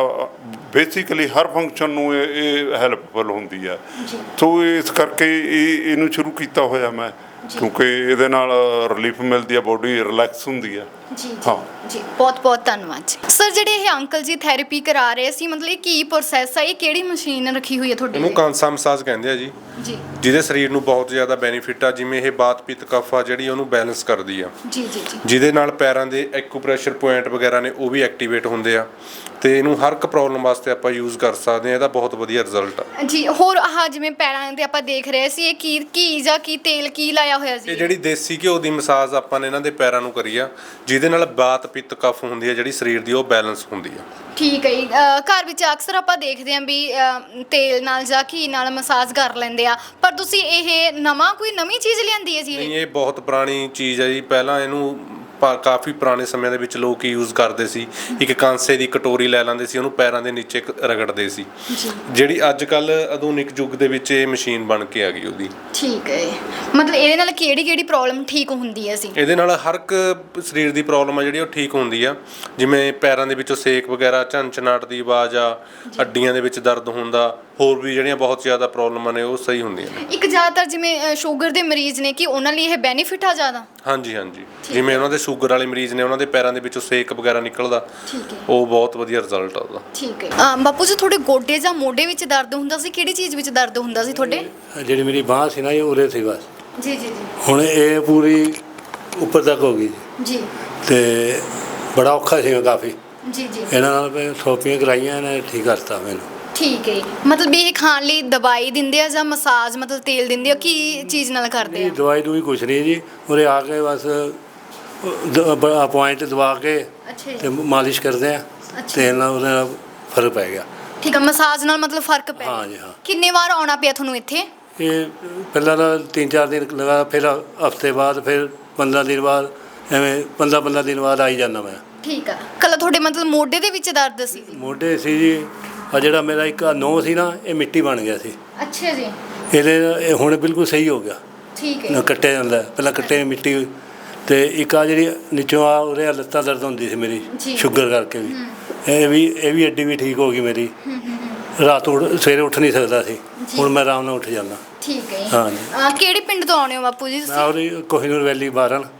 Speaker 5: ਬੇਸਿਕਲੀ ਹਰ ਫੰਕਸ਼ਨ ਨੂੰ ਇਹ ਹੈਲਪਫੁਲ ਹੁੰਦੀ ਆ। ਸੋ ਇਸ ਕਰਕੇ ਇਹਨੂੰ ਸ਼ੁਰੂ ਕੀਤਾ ਹੋਇਆ ਮੈਂ, ਕਿਉਂਕਿ ਇਹਦੇ ਨਾਲ ਰਿਲੀਫ ਮਿਲਦੀ ਆ, ਬੋਡੀ ਰਿਲੈਕਸ ਹੁੰਦੀ ਆ।
Speaker 2: ਜੀ ਜੀ, ਬਹੁਤ ਬਹੁਤ ਧੰਨਵਾਦ ਜੀ। ਸਰ ਜਿਹੜੇ ਇਹ ਅੰਕਲ ਜੀ ਥੈਰੇਪੀ ਕਰਾ ਰਹੇ ਸੀ, ਮਤਲਬ ਇਹ ਕੀ ਪ੍ਰੋਸੈਸ ਹੈ, ਇਹ ਕਿਹੜੀ ਮਸ਼ੀਨ ਰੱਖੀ ਹੋਈ ਹੈ ਤੁਹਾਡੇ?
Speaker 6: ਇਹਨੂੰ ਕਾਂਸਾ ਮਸਾਜ ਕਹਿੰਦੇ ਆ ਜੀ, ਜਿਹਦੇ ਸਰੀਰ ਨੂੰ ਬਹੁਤ ਜ਼ਿਆਦਾ ਬੈਨੀਫਿਟ ਆ। ਜਿਵੇਂ ਇਹ ਬਾਤ ਪਿੱਤ ਕਫ ਆ ਜਿਹੜੀ ਉਹਨੂੰ ਬੈਲੈਂਸ ਕਰਦੀ ਆ,
Speaker 2: ਜੀ ਜੀ ਜੀ,
Speaker 6: ਜਿਹਦੇ ਨਾਲ ਪੈਰਾਂ ਦੇ ਐਕੂਪ੍ਰੈਸ਼ਰ ਪੁਆਇੰਟ ਵਗੈਰਾ ਨੇ ਉਹ ਵੀ ਐਕਟੀਵੇਟ ਹੁੰਦੇ ਆ। ਤੇ ਇਹਨੂੰ ਹਰ ਇੱਕ ਪ੍ਰੋਬਲਮ ਵਾਸਤੇ ਆਪਾਂ ਯੂਜ਼ ਕਰ ਸਕਦੇ ਹਾਂ। ਇਹਦਾ ਬਹੁਤ ਵਧੀਆ ਰਿਜ਼ਲਟ ਆ
Speaker 2: ਜੀ। ਹੋਰ ਆਹ ਜਿਵੇਂ ਪੈਰਾਂ ਤੇ ਆਪਾਂ ਦੇਖ ਰਹੇ ਸੀ, ਇਹ ਕੀ ਘੀ ਜਾਂ ਕੀ ਤੇਲ ਕੀ ਲਾਇਆ ਹੋਇਆ ਸੀ?
Speaker 6: ਇਹ ਜਿਹੜੀ ਦੇਸੀ ਘਿਓ ਦੀ ਮਸਾਜ ਆਪਾਂ ਨੇ ਇਹਨਾਂ ਦੇ ਪੈਰਾਂ ਨੂੰ ਕਰੀ ਆ, ਜਿਹਦੇ ਨਾਲ ਬਾਤ ਪਿੱਤ ਕਫ ਹੁੰਦੀ ਹੈ ਜਿਹੜੀ ਸਰੀਰ ਦੀ, ਉਹ ਬੈਲੈਂਸ ਹੁੰਦੀ ਆ।
Speaker 2: ਠੀਕ ਹੈ ਜੀ। ਘਰ ਵਿੱਚ ਅਕਸਰ ਆਪਾਂ ਦੇਖਦੇ ਹਾਂ ਵੀ ਤੇਲ ਨਾਲ ਜਾਂ ਘੀ ਨਾਲ ਮਸਾਜ ਕਰ ਲੈਂਦੇ ਆ, ਪਰ ਤੁਸੀਂ ਇਹ ਕੋਈ ਨਵੀਂ ਚੀਜ਼ ਲਿਆਂਦੀ ਹੈ ਜੀ?
Speaker 6: ਨਹੀਂ, ਇਹ ਬਹੁਤ ਪੁਰਾਣੀ ਚੀਜ਼ ਹੈ ਜੀ। ਪਹਿਲਾਂ ਇਹਨੂੰ ਕਾਫੀ ਪੁਰਾਣੇ ਸਮਿਆਂ ਦੇ ਵਿੱਚ ਲੋਕ ਯੂਜ਼ ਕਰਦੇ ਸੀ। ਇੱਕ ਕਾਂਸੇ ਦੀ ਕਟੋਰੀ ਲੈ ਲੈਂਦੇ ਸੀ, ਉਹਨੂੰ ਪੈਰਾਂ ਦੇ ਨੀਚੇ ਰਗੜਦੇ ਸੀ। ਜਿਹੜੀ ਅੱਜ ਕੱਲ ਆਧੁਨਿਕ ਯੁੱਗ ਦੇ ਵਿੱਚ ਇਹ ਮਸ਼ੀਨ ਬਣ ਕੇ ਆ ਗਈ ਉਹਦੀ।
Speaker 2: ਠੀਕ ਹੈ। ਮਤਲਬ ਇਹਦੇ ਨਾਲ ਕਿਹੜੀ ਪ੍ਰੋਬਲਮ ਠੀਕ ਹੁੰਦੀ ਹੈ ਸੀ?
Speaker 6: ਇਹਦੇ ਨਾਲ ਹਰ ਇੱਕ ਸਰੀਰ ਦੀ ਪ੍ਰੋਬਲਮ ਆ ਜਿਹੜੀ ਉਹ ਠੀਕ ਹੁੰਦੀ ਆ। ਜਿਵੇਂ ਪੈਰਾਂ ਦੇ ਵਿੱਚੋਂ ਸੇਕ ਵਗੈਰਾ, ਝੰਚਨਾਟ ਦੀ ਆਵਾਜ਼ ਆ, ਹੱਡੀਆਂ ਦੇ ਵਿੱਚ ਦਰਦ ਹੁੰਦਾ, ਹੋਰ ਵੀ ਜਿਹੜੀਆਂ ਬਹੁਤ ਜ਼ਿਆਦਾ ਪ੍ਰੋਬਲਮਾਂ ਨੇ ਉਹ ਸਹੀ ਹੁੰਦੀਆਂ ਨੇ।
Speaker 2: ਇੱਕ ਜ਼ਿਆਦਾਤਰ ਜਿਵੇਂ ਸ਼ੂਗਰ ਦੇ ਮਰੀਜ਼ ਨੇ, ਕਿ ਉਹਨਾਂ ਲਈ ਇਹ ਬੈਨੀਫਿਟ ਆ ਜ਼ਿਆਦਾ?
Speaker 6: ਹਾਂਜੀ ਹਾਂਜੀ। ਜਿਵੇਂ ਉਹਨਾਂ ਦੇ ਸ਼ੂਗਰ ਵਾਲੇ ਮਰੀਜ਼ ਨੇ, ਉਹਨਾਂ ਦੇ ਪੈਰਾਂ ਦੇ ਵਿੱਚੋਂ ਸੇਕ ਵਗੈਰਾ ਨਿਕਲਦਾ, ਉਹ ਬਹੁਤ ਵਧੀਆ ਰਿਜ਼ਲਟ ਆ ਉਹਦਾ।
Speaker 2: ਠੀਕ ਹੈ। ਬਾਪੂ ਜੀ, ਤੁਹਾਡੇ ਗੋਡੇ ਜਾਂ ਮੋਢੇ ਵਿੱਚ ਦਰਦ ਹੁੰਦਾ ਸੀ? ਕਿਹੜੀ ਚੀਜ਼ ਵਿੱਚ ਦਰਦ ਹੁੰਦਾ ਸੀ ਤੁਹਾਡੇ?
Speaker 1: ਜਿਹੜੀ ਮੇਰੀ ਬਾਂਹ ਸੀ ਨਾ, ਇਹ ਉਰੇ ਸੀ ਬਸ।
Speaker 2: ਜੀ ਜੀ ਜੀ।
Speaker 1: ਹੁਣ ਇਹ ਪੂਰੀ ਉੱਪਰ ਤੱਕ ਹੋ ਗਈ
Speaker 2: ਜੀ।
Speaker 1: ਤੇ ਬੜਾ ਔਖਾ ਸੀਗਾ ਕਾਫੀ।
Speaker 2: ਜੀ ਜੀ।
Speaker 1: ਇਹਨਾਂ ਨਾਲ ਮੈਂ ਥੈਰੇਪੀਆਂ ਕਰਾਈਆਂ, ਇਹਨੇ ਠੀਕ ਕਰਤਾ ਮੈਨੂੰ।
Speaker 2: ਠੀਕ ਹੈ। ਮਤਲਬ ਇਹ ਖਾਣ ਲਈ ਦਵਾਈ ਦਿੰਦੇ ਆ ਜਾਂ ਮਸਾਜ, ਮਤਲਬ ਤੇਲ ਦਿੰਦੇ ਆ, ਕੀ ਚੀਜ਼ ਨਾਲ ਕਰਦੇ ਆ?
Speaker 1: ਦਵਾਈ ਦੂਈ ਕੁਛ ਨਹੀਂ ਜੀ, ਉਰੇ ਆ ਕੇ ਬਸ ਪੁਆਇੰਟ ਦਵਾ ਕੇ ਤੇ ਮਾਲਿਸ਼ ਕਰਦੇ ਆ, ਤੇਲ ਨਾਲ, ਉਹਦੇ ਨਾਲ ਫਰਕ ਪੈ ਗਿਆ।
Speaker 2: ਠੀਕ ਹੈ। ਮਸਾਜ ਨਾਲ ਮਤਲਬ ਫਰਕ ਪੈ ਗਿਆ?
Speaker 1: ਹਾਂ ਜੀ ਹਾਂ।
Speaker 2: ਕਿੰਨੇ ਵਾਰ ਆਉਣਾ ਪਿਆ ਤੁਹਾਨੂੰ ਇੱਥੇ?
Speaker 1: ਇਹ ਪਹਿਲਾਂ ਤਾਂ 3-4 ਦਿਨ ਲਗਾ, ਫਿਰ ਹਫਤੇ ਬਾਅਦ, ਫਿਰ 15 ਦਿਨ ਬਾਅਦ, ਐਵੇਂ 15 ਦਿਨ ਬਾਅਦ ਆਈ ਜਾਂਦਾ ਮੈਂ।
Speaker 2: ਠੀਕ ਆ। ਕੱਲ ਤੁਹਾਡੇ ਮਤਲਬ ਮੋਢੇ ਦੇ ਵਿੱਚ ਦਰਦ ਸੀ?
Speaker 1: ਮੋਢੇ ਸੀ ਜੀ। ਆ ਜਿਹੜਾ ਮੇਰਾ ਇੱਕ ਨੋਹ ਸੀ ਨਾ, ਇਹ ਮਿੱਟੀ ਬਣ ਗਿਆ ਸੀ।
Speaker 2: ਅੱਛਾ ਜੀ।
Speaker 1: ਇਹ ਹੁਣ ਬਿਲਕੁਲ ਸਹੀ ਹੋ ਗਿਆ।
Speaker 2: ਠੀਕ ਹੈ।
Speaker 1: ਨਾ ਕੱਟਿਆ ਜਾਂਦਾ, ਪਹਿਲਾਂ ਕੱਟੇ ਮਿੱਟੀ। ਤੇ ਇੱਕ ਆ ਜਿਹੜੀ ਨੀਚੋਂ ਆ ਉਹਦੇ ਲੱਤਾਂ ਦਰਦ ਹੁੰਦੀ ਸੀ ਮੇਰੀ, ਸ਼ੂਗਰ ਕਰਕੇ ਵੀ। ਇਹ ਵੀ ਅੱਡੀ ਵੀ ਠੀਕ ਹੋ ਗਈ ਮੇਰੀ। ਰਾਤ ਸਵੇਰੇ ਉੱਠ ਨਹੀਂ ਸਕਦਾ ਸੀ, ਹੁਣ ਮੈਂ ਆਰਾਮ ਨਾਲ ਉੱਠ ਜਾਂਦਾ।
Speaker 2: ਠੀਕ ਹੈ।
Speaker 1: ਹਾਂ ਜੀ।
Speaker 2: ਕਿਹੜੇ ਪਿੰਡ ਤੋਂ ਆਉਣੇ ਹੋ ਬਾਪੂ ਜੀ ਤੁਸੀਂ?
Speaker 1: ਮੈਂ ਉਹਦੀ ਕੋਹੀਨੂਰ ਵੈਲੀ 12